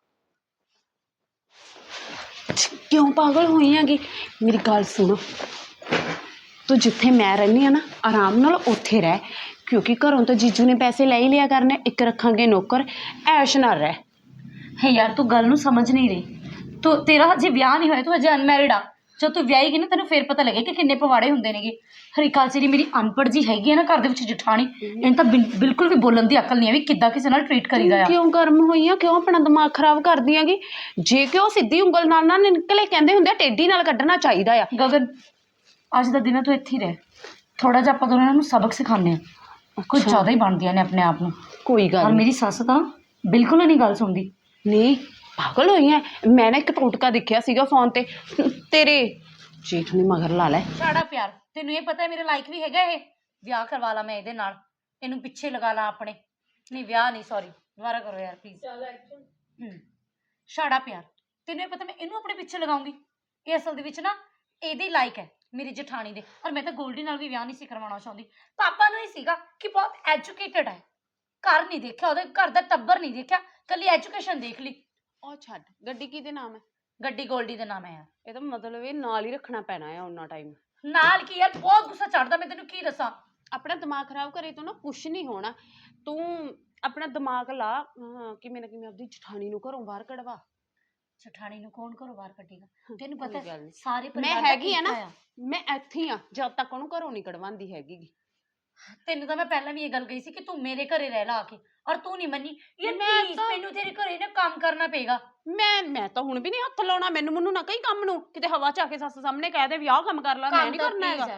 C: ਕਿਉਂ ਪਾਗਲ ਹੋਈ ਹੈਗੀ ਮੇਰੀ ਗੱਲ ਸੁਣ ਤੂੰ ਜਿੱਥੇ ਮੈਂ ਰਹਿੰਦੀ ਆ ਨਾ ਆਰਾਮ ਨਾਲ ਉੱਥੇ ਰਹਿ ਕਿਉਂਕਿ ਘਰੋਂ ਤਾਂ ਜੀਜੂ ਨੇ ਪੈਸੇ ਲੈ ਹੀ ਲਿਆ ਕਰਨੇ ਇੱਕ ਰੱਖਾਂਗੇ ਨੌਕਰ ਐਸ਼ ਨਾਲ ਰਹਿ
B: ਹੈ ਯਾਰ ਤੂੰ ਗੱਲ ਨੂੰ ਸਮਝ ਨਹੀਂ ਰਹੀ ਤੂੰ ਤੇਰਾ ਹਜੇ ਵਿਆਹ ਨਹੀਂ ਹੋਇਆ ਤੂੰ ਹਜੇ ਅਨਮੈਰਿਡ ਆ ਜਦ ਤੂੰ ਵਿਆਹੇਗੀ ਨਾ ਤੈਨੂੰ ਫੇਰ ਪਤਾ ਲੱਗੇ ਕਿ ਕਿੰਨੇ ਪਵਾੜੇ ਹੁੰਦੇ ਨੇਗੇ ਹਰੀਕਾਲ ਜਿਹੜੀ ਮੇਰੀ ਅਨਪੜ੍ਹ ਜੀ ਹੈਗੀ ਆ ਨਾ ਘਰ ਦੇ ਵਿੱਚ ਜਠਾਣੀ ਇਹਨੂੰ ਤਾਂ ਬਿਲਕੁਲ ਵੀ ਬੋਲਣ ਦੀ ਅਕਲ ਨਹੀਂ ਹੈ ਵੀ ਕਿੱਦਾਂ ਕਿਸੇ ਨਾਲ ਟ੍ਰੀਟ ਕਰੀਦਾ ਆ
C: ਕਿਉਂ ਗਰਮ ਹੋਈ ਆ ਕਿਉਂ ਆਪਣਾ ਦਿਮਾਗ ਖਰਾਬ ਕਰਦੀ ਆਂਗੀ ਜੇ ਕਿ ਉਹ ਸਿੱਧੀ ਉਂਗਲ ਨਾਲ ਨਾ ਨਿਕਲੇ ਕਹਿੰਦੇ ਹੁੰਦੇ ਆ ਟੇਢੀ ਨਾਲ ਕੱਢਣਾ ਚਾਹੀਦਾ ਆ
B: ਗਗਨ ਅੱਜ ਦਾ ਦਿਨ ਤੂੰ ਇੱਥੇ ਹੀ ਰਹਿ ਥੋੜਾ ਜਿਹਾ ਆਪਾਂ ਦੋਨਾਂ ਨੂੰ ਸਬਕ ਸਿਖਾਉਂਦੇ ਆ ਕੁਝ ਜ਼ਿਆਦਾ ਹੀ ਬਣਦੀਆਂ ਨੇ ਆਪਣੇ ਆਪ ਨੂੰ
C: ਕੋਈ ਗੱਲ
B: ਔਰ ਮੇਰੀ ਸੱਸ ਤਾਂ ਬਿਲਕੁਲ ਨਹੀਂ ਗੱਲ ਸੁਣਦੀ
C: ਨਹੀਂ ਪਾਗਲ ਹੋਈ ਐ ਮੈਂ ਨਾ ਇੱਕ ਟੋਟਕਾ ਦੇਖਿਆ ਸੀਗਾ ਫੋਨ ਤੇ ਤੇਰੇ ਜੇਠ ਨੇ ਮਗਰ ਲਾ ਲੈ
B: ਸਾਡਾ ਪਿਆਰ ਤੈਨੂੰ ਇਹ ਪਤਾ ਮੇਰੇ ਲਾਇਕ ਵੀ ਹੈਗਾ ਇਹ ਵਿਆਹ ਕਰਵਾ ਲਾ ਮੈਂ ਇਹਦੇ ਨਾਲ ਇਹਨੂੰ ਪਿੱਛੇ ਲਗਾ ਲਾ ਆਪਣੇ ਨਹੀਂ ਵਿਆਹ ਨਹੀਂ ਸੌਰੀ ਦੁਬਾਰਾ ਕਰੋ ਯਾਰ ਪਲੀਜ਼ ਸਾਡਾ ਪਿਆਰ ਤੈਨੂੰ ਇਹ ਪਤਾ ਮੈਂ ਇਹਨੂੰ ਆਪਣੇ ਪਿੱਛੇ ਲਗਾਉਂਗੀ ਇਹ ਅਸਲ ਦੇ ਵਿੱਚ ਨਾ ਇਹਦੇ ਲਾਇਕ ਹੈ ਮੇਰੀ ਜਠਾਣੀ ਦੇ ਔਰ ਮੈਂ ਤਾਂ ਗੋਲਡੀ ਨਾਲ ਵੀ ਵਿਆਹ ਨਹੀਂ ਸੀ ਕਰਵਾਉਣਾ ਚਾਹੁੰਦੀ ਪਾਪਾ ਨੂੰ ਹੀ ਸੀਗਾ ਕਿ ਬਹੁਤ ਐਜੂਕੇਟਡ ਹੈ ਘਰ ਨਹੀਂ ਦੇਖਿਆ ਉਹਦੇ ਘਰ ਦਾ ਟੱਬਰ ਨਹੀਂ ਦੇਖਿਆ ਕੱਲੀ ਐਜੂਕੇਸ਼ਨ ਦੇਖ ਲਈ
C: ਉਹ ਛੱਡ ਗੱਡੀ ਕਿਹਦੇ ਨਾਮ ਹੈ
B: ਗੱਡੀ ਗੋਲਡੀ ਦੇ ਨਾਮ ਹੈ ਯਾਰ
C: ਇਹ ਤਾਂ ਮਤਲਬ ਇਹ ਨਾਲ ਹੀ ਰੱਖਣਾ ਪੈਣਾ ਹੈ ਉਹਨਾਂ ਟਾਈਮ
B: ਨਾਲ ਕੀ ਯਾਰ ਬਹੁਤ ਗੁੱਸਾ ਚੜਦਾ ਮੈਂ ਤੈਨੂੰ ਕੀ ਦੱਸਾਂ
C: ਆਪਣਾ ਦਿਮਾਗ ਖਰਾਬ ਕਰੇ ਤੋਂ ਨਾ ਕੁਛ ਨਹੀਂ ਹੋਣਾ ਤੂੰ ਆਪਣਾ ਦਿਮਾਗ ਲਾ ਕਿਵੇਂ ਨਾ ਕਿਵੇਂ ਆਪਣੀ ਜਠਾਣੀ ਨੂੰ ਘਰੋਂ ਬਾਹਰ ਕਢਵਾ
B: ਜਠਾਣੀ ਨੂੰ ਕੌਣ ਘਰੋਂ ਬਾਹਰ ਕੱਢੇਗਾ ਤੈਨੂੰ ਪਤਾ
C: ਕੋਈ ਗੱਲ ਨੀ।
B: ਸਾਰੇ
C: ਮੈਂ
B: ਪਰਿਵਾਰ ਦਾ
C: ਹੈਗੀ ਆ ਨਾ
B: ਕੀਤਾ
C: ਮੈਂ ਇੱਥੇ ਹੀ ਆ ਜਦ ਤੱਕ ਉਹਨੂੰ ਘਰੋਂ ਨਹੀਂ ਕਢਵਾਉਂਦੀ ਹੈਗੀ
B: ਤੈਨੂੰ ਤਾਂ ਮੈਂ ਪਹਿਲਾਂ ਵੀ ਇਹ ਗੱਲ ਕਹੀ ਸੀ ਕਿ ਤੂੰ ਮੇਰੇ ਘਰੇ ਰਹਿ ਲਾ ਆ ਕੇ ਔਰ ਤੂੰ ਨਹੀਂ ਮੰਨੀ ਯਾਰ
C: ਮੈਂ
B: ਪਲੀਜ਼
C: ਤਾਂ-
B: ਮੈਨੂੰ ਤੇਰੇ ਘਰੇ ਨਾ ਕੰਮ ਕਰਨਾ ਪਏਗਾ
C: ਮੈਂ ਤਾਂ ਹੁਣ ਵੀ ਨਹੀਂ ਹੱਥ ਲਾਉਣਾ ਮੈਨੂੰ ਨਾ ਕਈ ਕੰਮ ਨੂੰ ਕਿਤੇ ਹਵਾ ਚ ਆ ਕੇ ਸੱਸ ਸਾਹਮਣੇ ਕਹਿ ਦੇ ਵੀ ਆਹ ਕੰਮ ਕਰ ਲੈ ਮੈਂ
B: ਕੰਮ
C: ਨਹੀਂ
B: ਤਾਂ
C: ਕਰਨਾ
B: please
C: ਹੈਗਾ
B: ਯਾਰ,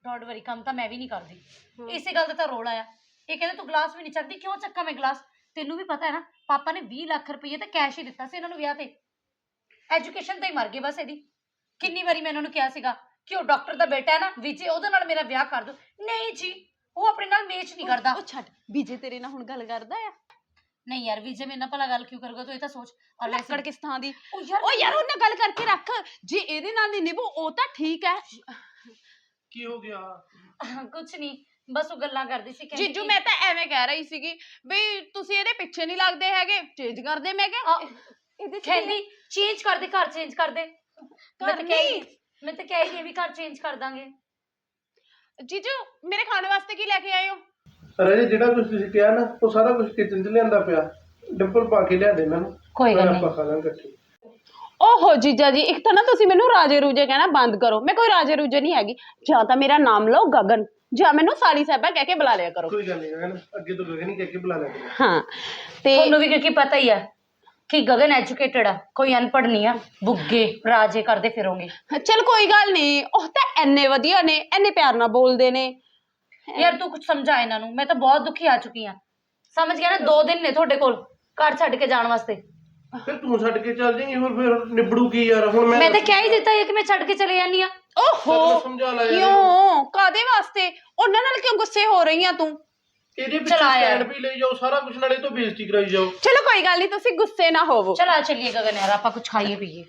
B: ਡੋਂਟ ਵਰੀ, ਕੰਮ ਤਾਂ ਮੈਂ ਵੀ ਨਹੀਂ ਕਰਦੀ। ਇਸੇ ਗੱਲ ਦਾ ਤਾਂ ਰੋਲ ਆਇਆ। ਇਹ ਕਹਿੰਦੇ ਤੂੰ ਗਲਾਸ ਵੀ ਨਹੀਂ ਚੱਕਦੀ, ਕਿਉਂ ਚੱਕਾਂ ਮੈਂ ਗਲਾਸ? ਤੈਨੂੰ ਵੀ ਪਤਾ ਹੈ ਨਾ, ਪਾਪਾ ਨੇ 20 ਲੱਖ ਰੁਪਏ ਤਾਂ ਕੈਸ਼ ਹੀ ਦਿੱਤਾ ਸੀ ਇਹਨਾਂ ਨੂੰ ਵਿਆਹ ਤੇ। ਐਜੂਕੇਸ਼ਨ ਤੇ ਹੀ ਮਰ ਗਏ ਬਸ ਇਹਦੀ। ਕਿੰਨੀ ਵਾਰੀ ਮੈਂ ਇਹਨਾਂ ਨੂੰ ਕਿਹਾ ਸੀਗਾ ਕਿ ਉਹ ਡਾਕਟਰ ਦਾ ਬੇਟਾ ਹੈ ਨਾ ਵਿਜੇ, ਉਹਦੇ ਨਾਲ ਮੇਰਾ ਵਿਆਹ ਕਰ ਦੋ। ਨਹੀਂ ਜੀ, ਉਹ ਆਪਣੇ ਨਾਲ ਮੇਚ ਨਹੀਂ ਕਰਦਾ।
C: ਉਹ ਛੱਡ, ਵਿਜੇ ਤੇਰੇ ਨਾਲ ਹੁਣ ਗੱਲ ਕਰਦਾ ਆ?
B: ਨਹੀਂ ਯਾਰ, ਵਿਜੇ ਮੇਰੇ ਨਾਲ ਭਲਾ ਗੱਲ ਕਿਉਂ ਕਰੂਗਾ? ਤੂੰ ਇਹ ਤਾਂ ਸੋਚ। ਔਰ ਵੈਸੇ
C: ਲੱਕੜ ਕਿਸ ਥਾਂ ਦੀ?
B: ਉਹ ਯਾਰ
C: ਉਹ ਯਾਰ ਉਹਨਾਂ ਗੱਲ ਕਰਕੇ ਰੱਖ, ਜੇ ਇਹਦੇ ਨਾਲ ਨਹੀਂ ਨਿਭੂ ਉਹ ਤਾਂ ਠੀਕ ਹੈ।
D: ਕੀ ਹੋ ਗਿਆ?
B: ਕੁਛ ਨਹੀਂ, ਬਸ ਉਹ ਗੱਲਾਂ ਕਰਦੀ ਸੀ। ਕਹਿੰਦੀ
C: ਜੀਜੂ
B: ਕਿ-
C: ਮੈਂ ਤਾਂ ਐਵੇਂ ਕਹਿ ਰਹੀ ਸੀਗੀ ਵੀ ਤੁਸੀਂ ਇਹਦੇ ਪਿੱਛੇ ਨਹੀਂ ਲੱਗਦੇ ਹੈਗੇ, ਚੇਂਜ ਕਰਦੇ। ਮੈਂ ਕਿਹਾ ਇਹਦੇ ਚ
B: ਕਹਿੰਦੀ ਚੇਂਜ ਕਰ ਦੇ, ਘਰ ਚੇਂਜ ਕਰ ਦੇ। ਮੈਂ ਤਾਂ
C: ਨਹੀਂ।
B: ਮੈਂ ਤਾਂ ਕਹਿ ਰਹੀ ਵੀ ਘਰ ਚੇਂਜ ਕਰ ਦਾਂਗੇ।
C: ਜੀਜੂ ਮੇਰੇ ਖਾਣ ਵਾਸਤੇ ਕੀ ਲੈ ਕੇ ਆਏ ਹੋ?
D: ਅਰੇ ਜਿਹੜਾ ਕੁਝ ਤੁਸੀਂ ਕਿਹਾ ਨਾ ਉਹ ਸਾਰਾ ਕੁਝ ਕਿਚਨ 'ਚ ਲਿਆਂਦਾ ਪਿਆ। ਡੱਬਲ ਪਾ ਕੇ ਲਿਆ ਦੇ ਮੈਨੂੰ।
B: ਕੋਈ ਗੱਲ ਨਹੀਂ।
D: ਆਪਾਂ ਖਾ ਲਾਂਗੇ ਇਕੱਠੇ।
C: ਓਹੋ ਜੀਜਾ ਜੀ, ਇੱਕ ਤਾਂ ਨਾ ਤੁਸੀਂ ਮੈਨੂੰ ਰਾਜੇ ਰੂਜੇ ਕਹਿਣਾ ਬੰਦ ਕਰੋ। ਮੈਂ ਕੋਈ ਰਾਜੇ ਰੂਜੇ ਨਹੀਂ ਹੈਗੀ। ਜਾਂ ਤਾਂ ਮੇਰਾ ਨਾਮ ਲਓ ਗਗਨ, ਜਾਂ ਮੈਨੂੰ ਸਾਲੀ ਸਾਹਿਬਾ ਕਹਿ ਕੇ ਬੁਲਾ ਲਿਆ ਕਰੋ।
D: ਕੋਈ ਗੱਲ ਨਹੀਂ ਗਗਨ, ਅੱਗੇ ਤੋਂ ਗਗਨ ਹੀ ਕਹਿ ਕੇ ਬੁਲਾ ਲਿਆ ਕਰੋ।
C: ਹਾਂ ਤੇ
B: ਤੁਹਾਨੂੰ ਵੀ ਕਿਉਂਕਿ ਪਤਾ ਹੀ ਆ ਕਿ ਗਗਨ ਐਜੂਕੇਟਡ ਆ, ਕੋਈ ਅਨਪੜ੍ਹ ਨਹੀਂ ਆ। ਬੁੱਗੇ ਰਾਜੇ ਕਰਦੇ ਫਿਰੋਂਗੇ।
C: ਚਲ ਕੋਈ ਗੱਲ ਨਹੀਂ, ਉਹ ਤਾਂ ਐਨੇ ਵਧੀਆ ਨੇ, ਐਨੇ ਪਿਆਰ ਨਾਲ ਬੋਲਦੇ ਨੇ।
B: ਯਾਰ ਤੂੰ ਕੁਝ ਸਮਝਾ ਇਹਨਾਂ ਨੂੰ। ਮੈਂ ਤਾਂ ਬਹੁਤ ਦੁਖੀ ਆ ਚੁੱਕੀ ਆ, ਸਮਝ ਗਿਆ ਨਾ? 2 ਦਿਨ ਨੇ ਤੁਹਾਡੇ ਕੋਲ ਘਰ ਛੱਡ ਕੇ ਜਾਣ ਵਾਸਤੇ।
D: ਫਿਰ ਤੂੰ ਛੱਡ ਕੇ ਚੱਲ ਜਾਏਂਗੀ, ਹੋਰ ਫਿਰ ਨਿਬੜੂ ਕੀ ਯਾਰ? ਹੁਣ
B: ਮੈਂ ਤਾਂ ਕਹਿ ਹੀ ਦਿੱਤਾ ਹੈ ਕਿ ਮੈਂ ਛੱਡ ਕੇ ਚਲੇ ਜਾਨੀ ਆ।
C: ਓਹੋ
D: ਸਮਝਾ ਲੈ ਯਾਰ।
C: ਕਿਉਂ, ਕਾਦੇ ਵਾਸਤੇ? ਉਹਨਾਂ ਨਾਲ ਕਿਉਂ ਗੁੱਸੇ ਹੋ ਰਹੀ ਆ ਤੂੰ?
D: ਇਹਦੇ ਪਿੱਛੇ
B: ਚਲਾ ਯਾਰ।
D: ਸਟੈਂਡ ਵੀ ਲਈ ਜਾਓ, ਸਾਰਾ ਕੁਝ, ਨਾਲੇ ਤੋਂ ਬੇਇੱਜ਼ਤੀ ਕਰਾਈ ਜਾਓ।
C: ਚਲੋ ਕੋਈ ਗੱਲ ਨਹੀਂ, ਤੁਸੀਂ ਗੁੱਸੇ ਨਾ ਹੋਵੋ।
B: ਚਲ ਆ ਚੱਲੀਏ ਗਗਨ ਯਾਰ, ਆਪਾਂ ਕੁਝ ਖਾਈਏ ਪੀਏ।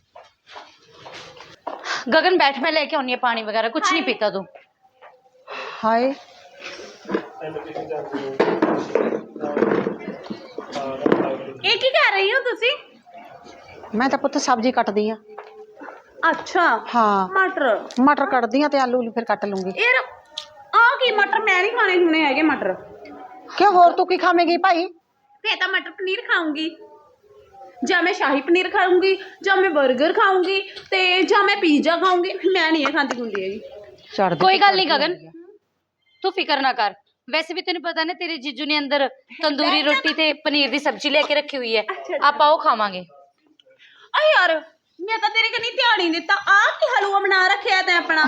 B: ਗगन बैठ, मैं लेके आनी है पानी वगैरह। कुछ नहीं पीता तू?
A: ਹਾਏ
C: ਇਹ ਕੀ ਕਰ ਰਹੀ ਹੋ ਤੁਸੀਂ?
A: ਮੈਂ ਤਾਂ ਪੁੱਤ ਸਬਜ਼ੀ ਕੱਟਦੀ ਆ।
C: ਅੱਛਾ
A: ਹਾਂ
C: ਮਟਰ।
A: ਮਟਰ ਕੱਟਦੀ ਆ ਤੇ ਆਲੂ ਫਿਰ ਕੱਟ ਲੂੰਗੀ।
C: ਯਾਰ ਆ ਕੀ ਮਟਰ? ਮੈਂ ਨਹੀਂ ਖਾਣੇ ਹੁਣੇ ਹੈਗੇ ਮਟਰ।
A: ਕਿਉਂ, ਹੋਰ ਤੂੰ ਕੀ ਖਾਵੇਂਗੀ ਭਾਈ?
C: ਫੇਰ ਤਾਂ ਮਟਰ ਪਨੀਰ ਖਾਊਂਗੀ, ਜਾਂ ਮੈਂ ਸ਼ਾਹੀ ਪਨੀਰ ਖਾਊਂਗੀ, ਜਾਂ ਮੈਂ 버ਗਰ ਖਾਊਂਗੀ, ਤੇ ਜਾਂ ਮੈਂ ਪੀਜ਼ਾ ਖਾਊਂਗੀ। ਮੈਂ ਨਹੀਂ ਇਹ ਖਾਂਦੀ ਖੁੰਦੀ ਹੈਗੀ।
A: ਛੱਡ ਦੇ।
B: कोई गल नहीं गगन, तू फिक्र ना कर। वैसे भी तेन पता ना तेरे जीजू ने अंदर तंदूरी रोटी ते पनीर दी सब्जी लेके रखी हुई है, आप आओ खावांगे।
C: ਆ ਯਾਰ ਮੈਂ ਤਾਂ ਤੇਰੇ ਕਨੀ ਧਿਆਨ ਹੀ ਦਿੱਤਾ। ਆ ਕੀ ਹਲਵਾ ਬਣਾ ਰੱਖਿਆ ਤੈਂ ਆਪਣਾ?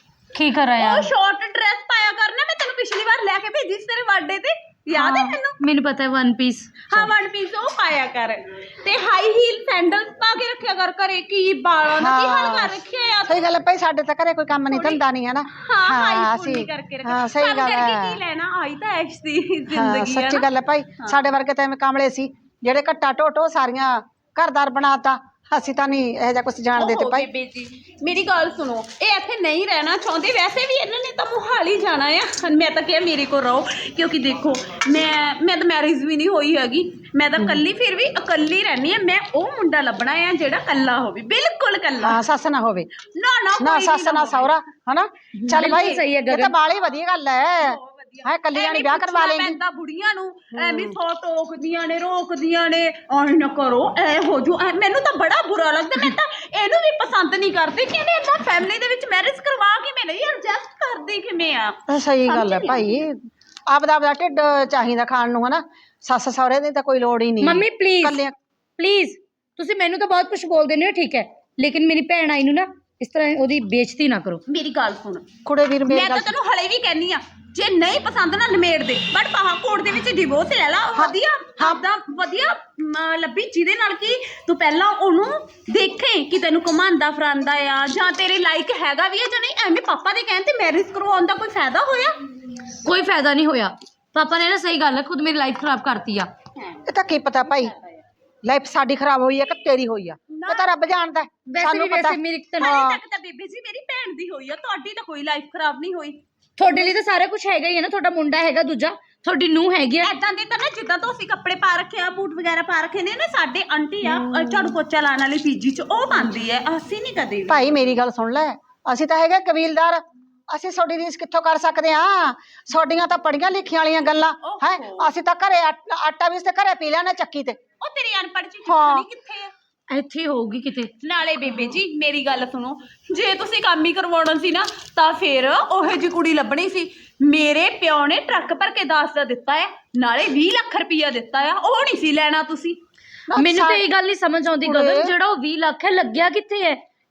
B: की कर रहा
C: ਉਹ
B: है?
C: ਸ਼ਾਰਟ ਡਰੈਸ ਪਾਇਆ ਕਰਨਾ, ਮੈਂ ਤੈਨੂੰ ਪਿਛਲੀ ਵਾਰ ਲੈ ਕੇ ਭੇਜੀ ਸੀ ਤੇਰੇ ਬਰਥਡੇ ਤੇ, ਯਾਦ ਹੈ ਤੈਨੂੰ?
B: मैंने पता है, 1 पीस।
C: ਹਾਂ 1 ਪੀਸ ਉਹ ਪਾਇਆ ਕਰ, ਤੇ ਹਾਈ ਹੀਲ ਸੈਂਡਲ ਪਾ ਕੇ ਰੱਖਿਆ ਕਰ ਘਰੇ। ਕੀ ਬਾਲਾਂ ਦਾ ਕੀ ਹਾਲ ਕਰ ਰੱਖਿਆ ਯਾਰ?
A: ਸਹੀ ਗੱਲ ਹੈ ਭਾਈ, ਸਾਡੇ ਤਾਂ ਘਰੇ ਕੋਈ ਕੰਮ ਨਹੀਂ ਧੰਦਾ ਨਹੀਂ ਹੈ ਨਾ।
C: ਹਾਂ ਹਾਈ
A: ਅਸੀਂ
C: ਫੁੱਲੀ ਕਰਕੇ ਰੱਖਿਆ।
A: ਹਾਂ ਸਹੀ
C: ਕੰਮ
A: ਗੱਲ
C: ਕਰਕੇ
A: ਹੈ।
C: ਕੀ ਲੈਣਾ? ਆਈ ਤਾਂ ਐਸ਼ ਦੀ
A: ਹਾਂ
C: ਜ਼ਿੰਦਗੀ ਆ
A: ਸੱਚੀ
C: ਨਾ।
A: ਗੱਲ ਹੈ ਭਾਈ, ਸਾਡੇ ਵਰਗੇ ਤਾਂ ਐਵੇਂ ਕਾਮਲੇ ਸੀ ਜਿਹੜੇ ਘੱਟਾ ਢੋਟੋ ਸਾਰੀਆਂ ਘਰਦਾਰ ਬਣਾਤਾ। ਅਸੀਂ ਤਾਂ ਨਹੀਂ ਇਹੋ ਜਿਹਾ ਕੁਝ ਜਾਣਦੇ ਤੇ
C: ਓਹੋ
A: ਭਾਈ।
C: ਬੇਬੇ ਜੀ ਮੇਰੀ ਗੱਲ ਸੁਣੋ, ਇਹ ਇੱਥੇ ਨਹੀਂ ਰਹਿਣਾ ਚਾਹੁੰਦੇ। ਵੈਸੇ ਵੀ ਇਹਨਾਂ ਨੇ ਤਾਂ ਮੁਹਾਲੀ ਜਾਣਾ ਆ। ਮੈਂ ਤਾਂ ਕਿਹਾ ਮੇਰੇ ਕੋਲ ਰਹੋ, ਕਿਉਂਕਿ ਦੇਖੋ ਮੈਂ ਤਾਂ ਮੈਰਿਜ ਵੀ ਨਹੀਂ ਹੋਈ ਹੈਗੀ। ਮੈਂ ਤਾਂ ਕੱਲੀ, ਫਿਰ ਵੀ ਇਕੱਲੀ ਰਹਿਣੀ ਆ। ਮੈਂ ਉਹ ਮੁੰਡਾ ਲੱਭਣਾ ਆ ਜਿਹੜਾ ਕੱਲਾ ਹੋਵੇ, ਬਿਲਕੁਲ ਕੱਲਾ।
A: ਹਾਂ ਸੱਸ ਨਾ ਹੋਵੇ,
C: ਨਾ ਨਾ
A: ਨਾ
C: ਕੋਈ
A: ਸੱਸ
C: ਵੀ
A: ਨਾ
C: ਹੋਵੇ।
A: ਸਹੁਰਾ, ਹਨਾ? ਚੱਲ
B: ਬਿਲਕੁਲ
A: ਭਾਈ
B: ਸਹੀ ਹੈ
A: ਇਹ
B: ਗਗਨ।
A: ਤਾਂ ਬਾਲੀ ਵਧੀਆ ਗੱਲ ਹੈ। ਹਾਂ ਕੱਲੀ ਜਾਣੀ
C: ਐਵੇਂ
A: ਵਿਆਹ ਕਰਵਾ
C: ਪੁੱਛਣਾ
A: ਲੇਗੀ।
C: ਪੈਂਦਾ ਬੁੜੀਆਂ ਨੂੰ, ਐਵੇਂ ਸੌ ਟੋਕਦੀਆਂ ਨੇ, ਰੋਕਦੀਆਂ ਨੇ, ਐ ਨਾ ਕਰੋ, ਐ ਹੋ ਜੋ। ਮੈਨੂੰ ਤਾਂ ਬੜਾ ਬੁਰਾ ਲੱਗਦਾ। ਮੈਂ ਤਾਂ ਇਹਨੂੰ ਵੀ ਪਸੰਦ ਨਹੀਂ ਕਰਦੀ ਕਿ ਇਹਨੇ ਏਦਾਂ ਫੈਮਿਲੀ ਦੇ ਵਿੱਚ ਮੈਰਿਜ ਕਰਵਾ ਕੇ ਨਹੀਂ ਐਡਜਸਟ ਕਰਦੀ ਕਿਵੇਂ ਆ।
A: ਸਹੀ ਗੱਲ ਹੈ ਭਾਈ, ਆਪਦਾ ਢਿੱਡ ਚਾਹੀਦਾ ਖਾਣ ਨੂੰ, ਹਨਾ? ਸੱਸ ਸਹੁਰੇ ਦੀ ਤਾਂ ਕੋਈ ਲੋੜ ਹੀ ਨਹੀਂ।
B: ਮੰਮੀ ਪਲੀਜ਼
A: ਕੱਲਿਆਂ
B: ਪਲੀਜ਼, ਤੁਸੀਂ ਮੈਨੂੰ ਤਾਂ ਬਹੁਤ ਕੁਝ ਬੋਲਦੇ ਨੇ, ਠੀਕ ਹੈ, ਲੇਕਿਨ ਮੇਰੀ ਭੈਣ ਆਈ ਨੂੰ ਨਾ ਇਸ ਤਰ੍ਹਾਂ ਉਹਦੀ ਬੇਇੱਜ਼ਤੀ ਨਾ ਕਰੋ।
C: ਮੇਰੀ ਗੱਲ ਸੁਣ,
A: ਕੁੜੇ ਵੀਰ ਮੇਰੀ
C: ਮੈਂ
A: ਗੱਲ
C: ਤਾਂ ਤੈਨੂੰ ਹਲੇ ਵੀ ਕਹਿੰਨੀ ਆ, ਜੇ ਨਹੀਂ ਪਸੰਦ ਨਾ ਨਿਮੇੜ ਦੇ, ਬਟ ਪਹਾੜਕੋਟ ਦੇ ਵਿੱਚ ਡਿਵੋਰਸ ਲੈ ਲਾ। ਵਧੀਆ ਆਪਦਾ ਵਧੀਆ ਲੱਭੀ, ਜਿਹਦੇ ਨਾਲ ਕਿ ਤੂੰ ਪਹਿਲਾਂ ਉਹਨੂੰ ਦੇਖੇ ਕਿ ਤੈਨੂੰ ਘੁਮਾਉਂਦਾ ਫਿਰਾਂਦਾ ਆ, ਜਾਂ ਤੇਰੇ ਲਾਇਕ ਹੈਗਾ ਵੀ ਆ ਜਾਂ ਨਹੀਂ। ਐਵੇਂ ਪਾਪਾ ਦੇ ਕਹਿਣ ਤੇ ਮੈਰਿਜ ਕਰਵਾਉਣ ਦਾ ਕੋਈ ਫਾਇਦਾ ਹੋਇਆ?
B: ਕੋਈ ਫਾਇਦਾ ਨਹੀਂ ਹੋਇਆ। ਪਾਪਾ ਨੇ ਨਾ ਸਹੀ ਗੱਲ ਹੈ, ਖੁਦ ਮੇਰੀ ਲਾਈਫ ਖਰਾਬ ਕਰਤੀ ਆ।
A: ਇਹ ਤਾਂ ਕੀ ਪਤਾ ਭਾਈ, ਲਾਈਫ ਸਾਡੀ ਖਰਾਬ ਹੋਈ ਹੈ ਕਿ ਤੇਰੀ ਹੋਈ ਆ? ਇਹ ਤਾਂ ਰੱਬ ਜਾਣਦਾ।
B: ਵੈਸੇ ਵੀ ਵੈਸੇ ਮੇਰੀ
C: ਹਾਲੇ ਤੱਕ ਤਾਂ ਬੇਬੇ ਜੀ ਮੇਰੀ ਭੈਣ ਦੀ ਹੋਈ ਆ, ਤੁਹਾਡੀ ਤਾਂ ਕੋਈ ਲਾਈਫ ਖਰਾਬ ਨਹੀਂ ਹੋਈ।
B: ਤੁਹਾਡੇ ਲਈ ਤਾਂ ਸਾਰਾ ਕੁਝ ਹੈਗਾ ਹੀ ਹੈ ਨਾ, ਤੁਹਾਡਾ ਮੁੰਡਾ ਹੈਗਾ, ਦੂਜਾ ਤੁਹਾਡੀ ਨੂੰਹ ਹੈਗੀ ਆ।
C: ਐਦਾਂ ਦੇ ਤਾਂ ਨਾ ਜਿੱਦਾਂ ਤੋਂ ਅਸੀਂ ਕੱਪੜੇ ਪਾ ਰੱਖੇ ਆ, ਬੂਟ ਵਗੈਰਾ ਪਾ ਰੱਖੇ ਨੇ ਨਾ, ਸਾਡੇ ਆਂਟੀ ਆ ਝਾੜੂ ਪੋਚਾ ਲਾਉਣ ਵਾਲੀ ਪੀਜੀ ਚ, ਉਹ ਪਾਉਂਦੀ ਹੈ। ਅਸੀਂ ਨਹੀਂ ਕਦੇ ਵੀ।
A: ਭਾਈ ਮੇਰੀ ਗੱਲ ਸੁਣ ਲੈ, ਅਸੀਂ ਤਾਂ ਹੈਗੇ ਕਬੀਲਦਾਰ, ਅਸੀਂ ਤੁਹਾਡੀ ਰੀਸ ਕਿੱਥੋਂ ਕਰ ਸਕਦੇ ਹਾਂ? ਤੁਹਾਡੀਆਂ ਤਾਂ ਪੜੀਆਂ ਲਿਖੀਆਂ ਵਾਲੀਆਂ ਗੱਲਾਂ ਹੈ। ਅਸੀਂ ਤਾਂ ਘਰੇ ਆਟਾ ਵੀ ਤੇ ਘਰੇ ਪੀ ਲੈਣਾ ਚੱਕੀ ਤੇ।
C: ਉਹ ਤੇਰੀ ਅਨਪੜ੍ਹ ਚ ਚਿੱਠਣੀ ਕਿੱਥੇ ਆ?
B: ਇੱਥੇ ਹੋਊਗੀ ਕਿਤੇ।
C: ਨਾਲੇ ਬੇਬੇ ਜੀ ਮੇਰੀ ਗੱਲ ਸੁਣੋ, ਜੇ ਤੁਸੀਂ ਕੰਮ ਹੀ ਕਰਵਾਉਣਾ ਸੀ ਨਾ ਤਾਂ ਫਿਰ ਉਹੋ ਜਿਹੀ ਕੁੜੀ ਲੱਭਣੀ ਸੀ। ਮੇਰੇ ਪਿਓ ਨੇ ਟਰੱਕ ਭਰ ਕੇ ਦਾਜ ਦਾ ਦਿੱਤਾ ਹੈ, ਨਾਲੇ 20 ਲੱਖ ਰੁਪਈਆ ਦਿੱਤਾ ਆ, ਉਹ ਨਹੀਂ ਸੀ ਲੈਣਾ ਤੁਸੀਂ।
B: ਮੈਨੂੰ ਤਾਂ ਇਹ ਗੱਲ ਨਹੀਂ ਸਮਝ ਆਉਂਦੀ ਗਗਨ, ਜਿਹੜਾ ਉਹ 20 ਲੱਖ ਹੈ ਲੱਗਿਆ ਕਿੱਥੇ ਹੈ?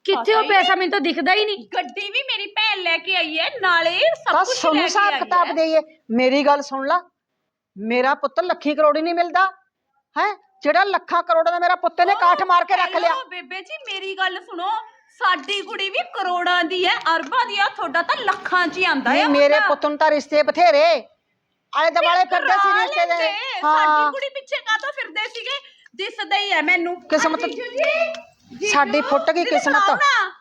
B: ਕਿੱਥੇ ਉਹ ਪੈਸਾ ਮੈਨੂੰ ਤਾਂ ਦਿਖਦਾ ਹੀ ਨਹੀਂ।
C: ਗੱਡੀ ਵੀ ਮੇਰੀ ਭੈਣ ਲੈ ਕੇ ਆਈ ਹੈ, ਨਾਲੇ ਸਭ
A: ਤਾਂ
C: ਕੁਝ
A: ਸੁਣ
C: ਲੈ ਕੇ
A: ਹਿਸਾਬ
C: ਆਈ
A: ਕਿਤਾਬ
C: ਹੈ।
A: ਦੇਈਏ। ਮੇਰੀ ਗੱਲ ਸੁਣ ਲਾ, ਮੇਰਾ ਪੁੱਤ ਲੱਖੀ ਕਰੋੜੀ ਨਹੀਂ ਮਿਲਦਾ ਹੈ, ਜਿਹੜਾ ਲੱਖਾਂ ਕਰੋੜਾਂ ਦਾ ਮੇਰਾ ਪੁੱਤ ਨੇ ਕਾਠ ਮਾਰ ਕੇ ਰੱਖ ਲਿਆ।
C: ਹੈਲੋ ਬੇਬੇ ਜੀ, ਮੇਰੀ ਗੱਲ ਸੁਣੋ, ਸਾਡੀ ਕੁੜੀ ਵੀ ਕਰੋੜਾਂ ਦੀ ਹੈ, ਅਰਬਾਂ ਦੀ ਆ, ਤੁਹਾਡਾ ਤਾਂ ਲੱਖਾਂ 'ਚ ਹੀ ਆਂਦਾ
A: ਨਹੀਂ,
C: ਹੈ।
A: ਮੇਰੇ ਪੁੱਤ ਨੂੰ ਤਾਂ ਰਿਸ਼ਤੇ ਬਥੇਰੇ ਆਲੇ ਦੁਆਲੇ ਫਿਰਦੇ ਸੀ ਰਿਸ਼ਤੇ ਦੇ।
C: ਸਾਡੀ ਕੁੜੀ ਪਿੱਛੇ ਕਾਹਤੋਂ ਫਿਰਦੇ ਸੀਗੇ, ਦਿਸਦਾ ਹੀ ਹੈ ਮੈਨੂੰ।
A: ਕਿਸਮਤ
C: ਜੀਜੂ ਜੀ,
A: ਸਾਡੀ ਫੁੱਟ ਗਈ ਕਿਸਮਤ।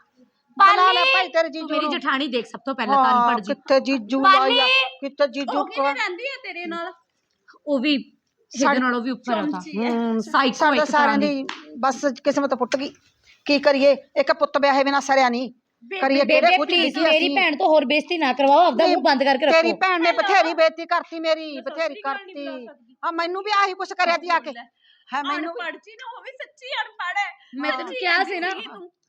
A: ਬੁਲਾ ਲੈ ਭਾਈ ਤੇਰੇ
B: ਤੂੰ
A: ਜੀਜੂ
B: ਮੇਰੀ
A: ਨੂੰ।
B: ਜਠਾਣੀ ਦੇਖ ਸਭ ਤੋਂ ਪਹਿਲਾਂ ਤਾਂ ਅਨਪੜ੍ਹ ਜੀ।
A: ਕਿੱਥੇ ਜੀਜੂ
B: ਪਾਲੀ।
A: ਆਇਆ, ਕਿੱਥੇ ਜੀਜੂ
C: ਉਹ ਕਿਵੇਂ ਰਹਿੰਦੀ ਹੈ ਤੇਰੇ ਨਾਲ?
B: ਉਹ ਵੀ ਇਹਦੇ ਨਾਲੋਂ ਵੀ ਉੱਪਰ ਆ ਤਾਂ ਸਾਈਕੋ
A: ਸਾਡਾ
B: ਇੱਕ
A: ਸਾਰਿਆਂ
B: ਤਰ੍ਹਾਂ
A: ਦੀ ਬਸ ਕਿਸਮਤ ਫੁੱਟ ਗਈ। ਕੀ ਕਰੀਏ, ਇੱਕ ਪੁੱਤ ਵਿਆਹੇ ਬਿਨਾ ਸਰਿਆ ਨਹੀਂ। ਕਰੀਏ ਕਿਹੜੇ
B: ਬੇਬੇ
A: ਕੁਝ
B: ਪਲੀਜ਼
A: ਲਿਖੀ
B: ਮੇਰੀ
A: ਅਸੀਂ।
B: ਭੈਣ ਤੋਂ ਹੋਰ ਬੇਇੱਜ਼ਤੀ ਨਾ ਕਰਵਾਓ, ਆਪਦਾ ਮੂੰਹ ਬੰਦ ਕਰਕੇ
A: ਤੇਰੀ
B: ਰੱਖੋ।
A: ਭੈਣ ਨੇ ਬਥੇਰੀ ਬੇਇੱਜ਼ਤੀ ਕਰਤੀ, ਮੇਰੀ ਬਥੇਰੀ ਕਰਤੀ। ਹਾਂ, ਮੈਨੂੰ ਵੀ ਆਹੀ ਕੁਛ ਕਰਿਆ ਤੀ ਆ ਕੇ। ਹੈ ਮੈਨੂੰ ਵੀ-
C: ਅਨਪੜ੍ਹ ਜੀ ਨਾ ਹੋਵੇ, ਸੱਚੀ ਅਨਪੜ੍ਹ ਹੈ।
B: ਮੈਂ ਤੈਨੂੰ ਕਿਹਾ ਸੀ ਨਾ।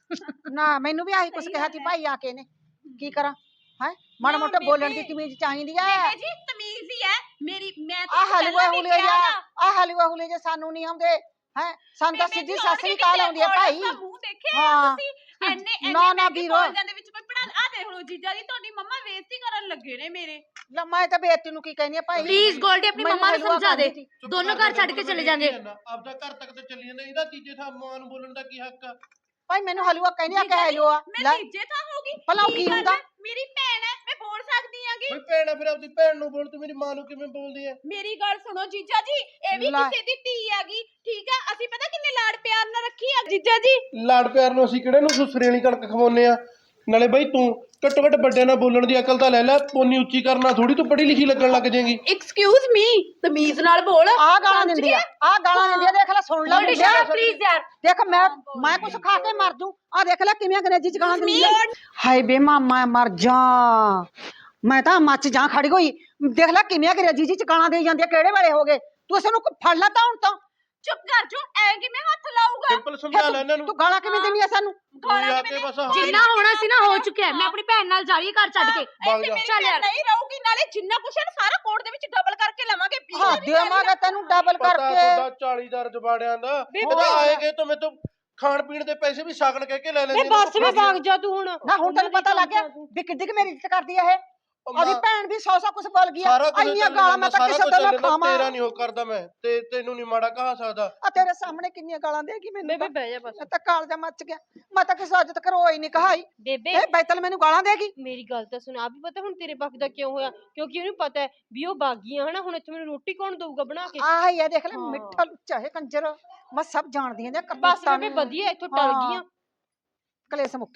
A: ਨਾ, ਮੈਨੂੰ ਵੀ ਆਹੀ ਕੁਛ ਕਿਹਾ ਤੀ ਭਾਈ ਆ ਕੇ ਨੇ। ਕੀ ਕਰਾਂ ਹੈ, ਮਾੜਾ ਮੋਟਾ ਬੋਲਣ ਦੀ ਤਮੀਜ਼ ਚਾਹੀਦੀ ਹੈ।
C: ਬੇਬੇ ਜੀ ਤਮੀਜ਼ ਹੀ ਹੈ ਮੇਰੀ, ਮੈਂ
A: ਆ ਹਲੂਆ
C: ਪਹਿਲਾਂ ਵੀ
A: ਹੁਲੇ
C: ਕਿਹਾ
A: ਜਾ,
C: ਨਾ।
A: ਆ ਹਲੂਆ ਹੁਲੇ ਜੇ ਸਾਨੂੰ ਨਹੀਂ ਆਉਂਦੇ ਹੈ, ਸਾਨੂੰ ਤਾਂ
C: ਬੇਬੇ
A: ਸਿੱਧੀ
C: ਜੀ,
A: ਸਤਿ ਸ੍ਰੀ
C: ਹੁਣ
A: ਅਕਾਲ
C: ਵੀ
A: ਆਉਂਦੀ ਹੈ ਭਾਈ।
C: ਔਰਤ ਦਾ ਮੂੰਹ ਦੇਖਿਆ
A: ਹਾਂ।
C: ਤੁਸੀਂ? ਇੰਨੇ
A: ਨਾ, ਨਾ
C: ਮਹਿੰਗੇ
A: ਵੀਰੋ।
C: ਕਾਲਜਾਂ ਦੇ ਵਿੱਚ ਕੋਈ ਪੜਾ, ਆ ਦੇਖ ਲਓ ਜੀਜਾ ਜੀ, ਤੁਹਾਡੀ ਮੰਮਾ ਬੇਇੱਜ਼ਤੀ ਕਰਨ ਲੱਗੇ ਨੇ ਮੇਰੇ।
A: ਲੈ ਮੈਂ ਤਾਂ ਬੇਇੱਜ਼ਤੀ ਨੂੰ ਕੀ ਕਹਿੰਦੀ ਆ ਭਾਈ।
B: ਪਲੀਜ਼ ਗੋਲਡੀ ਆਪਣੀ
A: ਮੈਨੂੰ
B: ਮੰਮਾ ਨੂੰ
A: ਹਲੂਆ
B: ਸਮਝਾ ਦੇ,
A: ਖਾਂਦੀ ਸੀ।
B: ਦੋਨੋਂ ਘਰ ਛੱਡ ਕੇ ਚਲੇ ਜਾਂਦੇ।
D: ਆਪਦਾ ਘਰ ਤੱਕ ਤੇ ਚੱਲੀ ਜਾਂਦਾ, ਇਹਦਾ ਤੀਜੇ ਥਾਂ ਮਾਂ ਨੂੰ ਬੋਲਣ ਦਾ ਕੀ ਹੱਕ ਆ?
A: ਭਾਈ ਮੈਨੂੰ ਹਲੂਆ ਕਹਿੰਦੀ ਆ ਕਿ ਹਲੂਆ
C: ਮੈਂ ਤੀਜੇ ਥਾਂ ਹੋਗੀ।
A: ਭਲਾ ਉਹ ਕੀ
C: ਗੱਲ
A: ਹੁੰਦਾ?
C: ਹੈ? ਮੇਰੀ ਭੈਣ ਹੈ, ਮੈਂ ਬੋਲ ਸਕਦੀ ਆਂਗੀ।
D: ਬਈ ਭੈਣ ਆ, ਫਿਰ ਆਪਦੀ ਭੈਣ ਨੂੰ ਬੋਲ, ਤੂੰ ਮੇਰੀ ਮਾਂ ਨੂੰ ਕਿਵੇਂ ਬੋਲਦੀ ਐ?
C: ਮੇਰੀ ਗੱਲ ਸੁਣੋ ਜੀਜਾ ਜੀ, ਇਹ ਵੀ
A: ਲੈ।
C: ਕਿਸੇ ਦੀ ਧੀ ਹੈਗੀ, ਠੀਕ ਆ? ਅਸੀਂ ਪਤਾ ਕਿੰਨੇ ਲਾਡ ਪਿਆਰ ਨਾਲ ਰੱਖੀ ਆ ਜੀਜਾ ਜੀ।
D: ਲਾੜ ਪਿਆਰ ਨੂੰ ਅਸੀਂ ਕਿਹੜੇ ਨੂੰ ਸੁਸਰੇ ਵਾਲੀ ਕਣਕ ਖਵਾਉਨੇ ਆ? ਨਾਲੇ ਬਈ ਤੂੰ ਘੱਟੋ ਘੱਟ ਵੱਡਿਆਂ ਨਾਲ ਬੋਲਣ ਦੀ ਅਕਲ ਤਾਂ ਲੈ ਲੈ, ਪੋਨੀ ਉੱਚੀ ਕਰਨਾ ਥੋੜੀ ਤੂੰ ਪੜ੍ਹੀ ਲਿਖੀ ਲੱਗਣ ਲੱਗ ਜਾਏਗੀ।
C: ਐਕਸਕਿਊਜ਼ ਮੀ, ਤਮੀਜ਼ ਨਾਲ ਬੋਲ।
A: ਆ ਗਾਲਾਂ ਦਿੰਦੀ ਆ, ਆ ਗਾਲਾਂ ਦਿੰਦੀ ਆ, ਦੇਖ ਲੈ, ਸੁਣ ਲੈ
B: ਗੋਲਡੀ
A: ਮੁੰਡਿਆ।
B: ਸ਼ਟ ਪਲੀਜ਼ ਯਾਰ।
A: ਦੇਖ ਮੈਂ ਕੁਛ ਖਾ ਕੇ ਮਰ ਜੂ। ਆ ਦੇਖ ਲੈ ਕਿਵੇਂ ਅੰਗਰੇਜ਼ੀ ਚ ਗਾਲਾਂ ਦਿੰਦੀ ਆ। ਹਾਏ ਬੇ ਮਾਮਾ ਮਰ ਜਾ, ਮੈਂ ਤਾਂ ਮੱਚ ਜਾ ਖੜੀ ਹੋਈ। ਦੇਖ ਲੈ ਕਿਵੇਂ ਅੰਗਰੇਜ਼ੀ ਚ ਗਾਲਾਂ ਦੇਈ ਜਾਂਦੀ ਆ, ਕਿਹੜੇ ਵੇਲੇ ਹੋ ਗਏ? ਤੂੰ ਇਸ ਨੂੰ ਫੜ ਲਾ ਤਾਂ ਹੁਣ ਤਾਂ।
C: ਚੁੱਪ ਕਰ ਜੋ, ਐ ਕਿਵੇਂ ਹੱਥ ਲਾਊਗਾ?
D: ਸਿੰਪਲ ਸਮਝਾ ਲੈ ਇਹਨਾਂ ਨੂੰ।
A: ਤੂੰ ਗਾਲਾਂ ਕਿਵੇਂ ਦਿੰਦੀ ਆ ਸਾਨੂੰ?
D: ਤੂੰ ਆ ਕੇ ਬਸ
B: ਜਿੰਨਾ ਹੋਣਾ ਸੀ ਨਾ ਹੋ ਚੁੱਕਿਆ, ਮੈਂ ਆਪਣੀ ਭੈਣ ਨਾਲ ਜਾ ਰਹੀ ਹਾਂ ਘਰ ਛੱਡ ਕੇ।
D: ਭਾਗ ਜਾ।
C: ਚੱਲ ਯਾਰ, ਨਹੀਂ ਰਹੂਗੀ, ਨਾਲੇ ਜਿੰਨਾ ਕੁਛ ਹੈ ਨਾ ਸਾਰਾ ਕੋਰਟ ਦੇ ਵਿੱਚ ਡਬਲ ਕਰਕੇ ਲਵਾਂਗੇ।
A: ਹਾਂ, ਦੇਵਾਂਗਾ ਤੈਨੂੰ ਡਬਲ
D: ਪਤਾ
A: ਕਰਕੇ।
D: ਤੁਹਾਡਾ 40 ਦਾ ਰਜਵਾੜਿਆਂ ਦਾ। ਇਹਦਾ ਆਏਗੇ ਤਾਂ ਮੇਰੇ ਤੋਂ ਖਾਣ ਪੀਣ ਦੇ ਪੈਸੇ ਵੀ ਸ਼ਗਨ ਕਹਿ ਕੇ ਲੈ ਲੈਂਦੇ।
A: ਬਸ ਵੀ ਭਾਗ ਜਾ ਤੂੰ ਹੁਣ। ਨਾ ਹੁਣ ਤੈਨੂੰ ਪਤਾ ਲੱਗ ਗਿਆ ਵੀ ਕਿੱਡੀ ਕਿ ਮੇਰੀ ਇੱਜ਼ਤ ਕਰਦੀ ਆ ਇਹ। ਉਹਦੀ ਭੈਣ ਵੀ 100 ਕੁਛ ਬੋਲ ਗਈ ਆ।
D: ਸਾਰਾ ਕੁਝ
A: ਇੰਨੀਆਂ ਗਾਲਾਂ ਮੈਂ ਤਾਂ ਕਿਸੇ ਤੋਂ ਨਾ ਖਾਵਾਂ।
D: ਤੇਰਾ ਨਹੀਂ ਹੋ ਕਰਦਾ ਮੈਂ, ਤੇ ਤੈਨੂੰ ਨਹੀਂ ਮਾੜਾ ਕਹਾ ਸਕਦਾ।
A: ਆ ਤੇਰੇ ਸਾਹਮਣੇ ਕਿੰਨੀਆਂ ਗਾਲਾਂ ਦੇਗੀ ਮੈਨੂੰ।
C: ਬੇਬੇ ਬਹਿ ਜਾ ਬਸ।
A: ਮੈਂ ਤਾਂ ਕਾਲਜਾ ਮੱਚ ਗਿਆ। ਮੈਂ ਤਾਂ ਕਿਸੇ ਅੱਜ ਤੱਕ ਰੋਈ ਨਹੀਂ ਕਹਾਈ।
F: ਬੇਬੇ
A: ਇਹ ਬੈਤਲ ਮੈਨੂੰ ਗਾਲਾਂ ਦੇਗੀ।
F: ਮੇਰੀ ਗੱਲ ਤਾਂ ਸੁਣ, ਆ ਵੀ ਪਤਾ ਹੁਣ ਤੇਰੇ ਪੱਖ ਦਾ ਕਿਉਂ ਹੋਇਆ? ਕਿਉਂਕਿ ਉਹਨੂੰ ਪਤਾ ਹੈ ਵੀ ਉਹ ਬਾਗੀਆਂ ਹਨਾ, ਹੁਣ ਇੱਥੇ ਮੈਨੂੰ ਰੋਟੀ ਕੌਣ ਦਊਗਾ ਬਣਾ ਕੇ?
A: ਆਹ ਹੀ ਆ, ਦੇਖ ਲੈ ਮਿੱਠਾ ਲੁੱਚਾ ਹੈ ਕੰਜਰ। ਮੈਂ ਸਭ ਜਾਣਦੀ ਹਾਂ
F: ਬਸ ਬੇਬੇ ਵਧੀਆ, ਇੱਥੋਂ ਟਲ ਗਈਆਂ।
A: ਕਲੇਸ਼ ਮੁੱਕ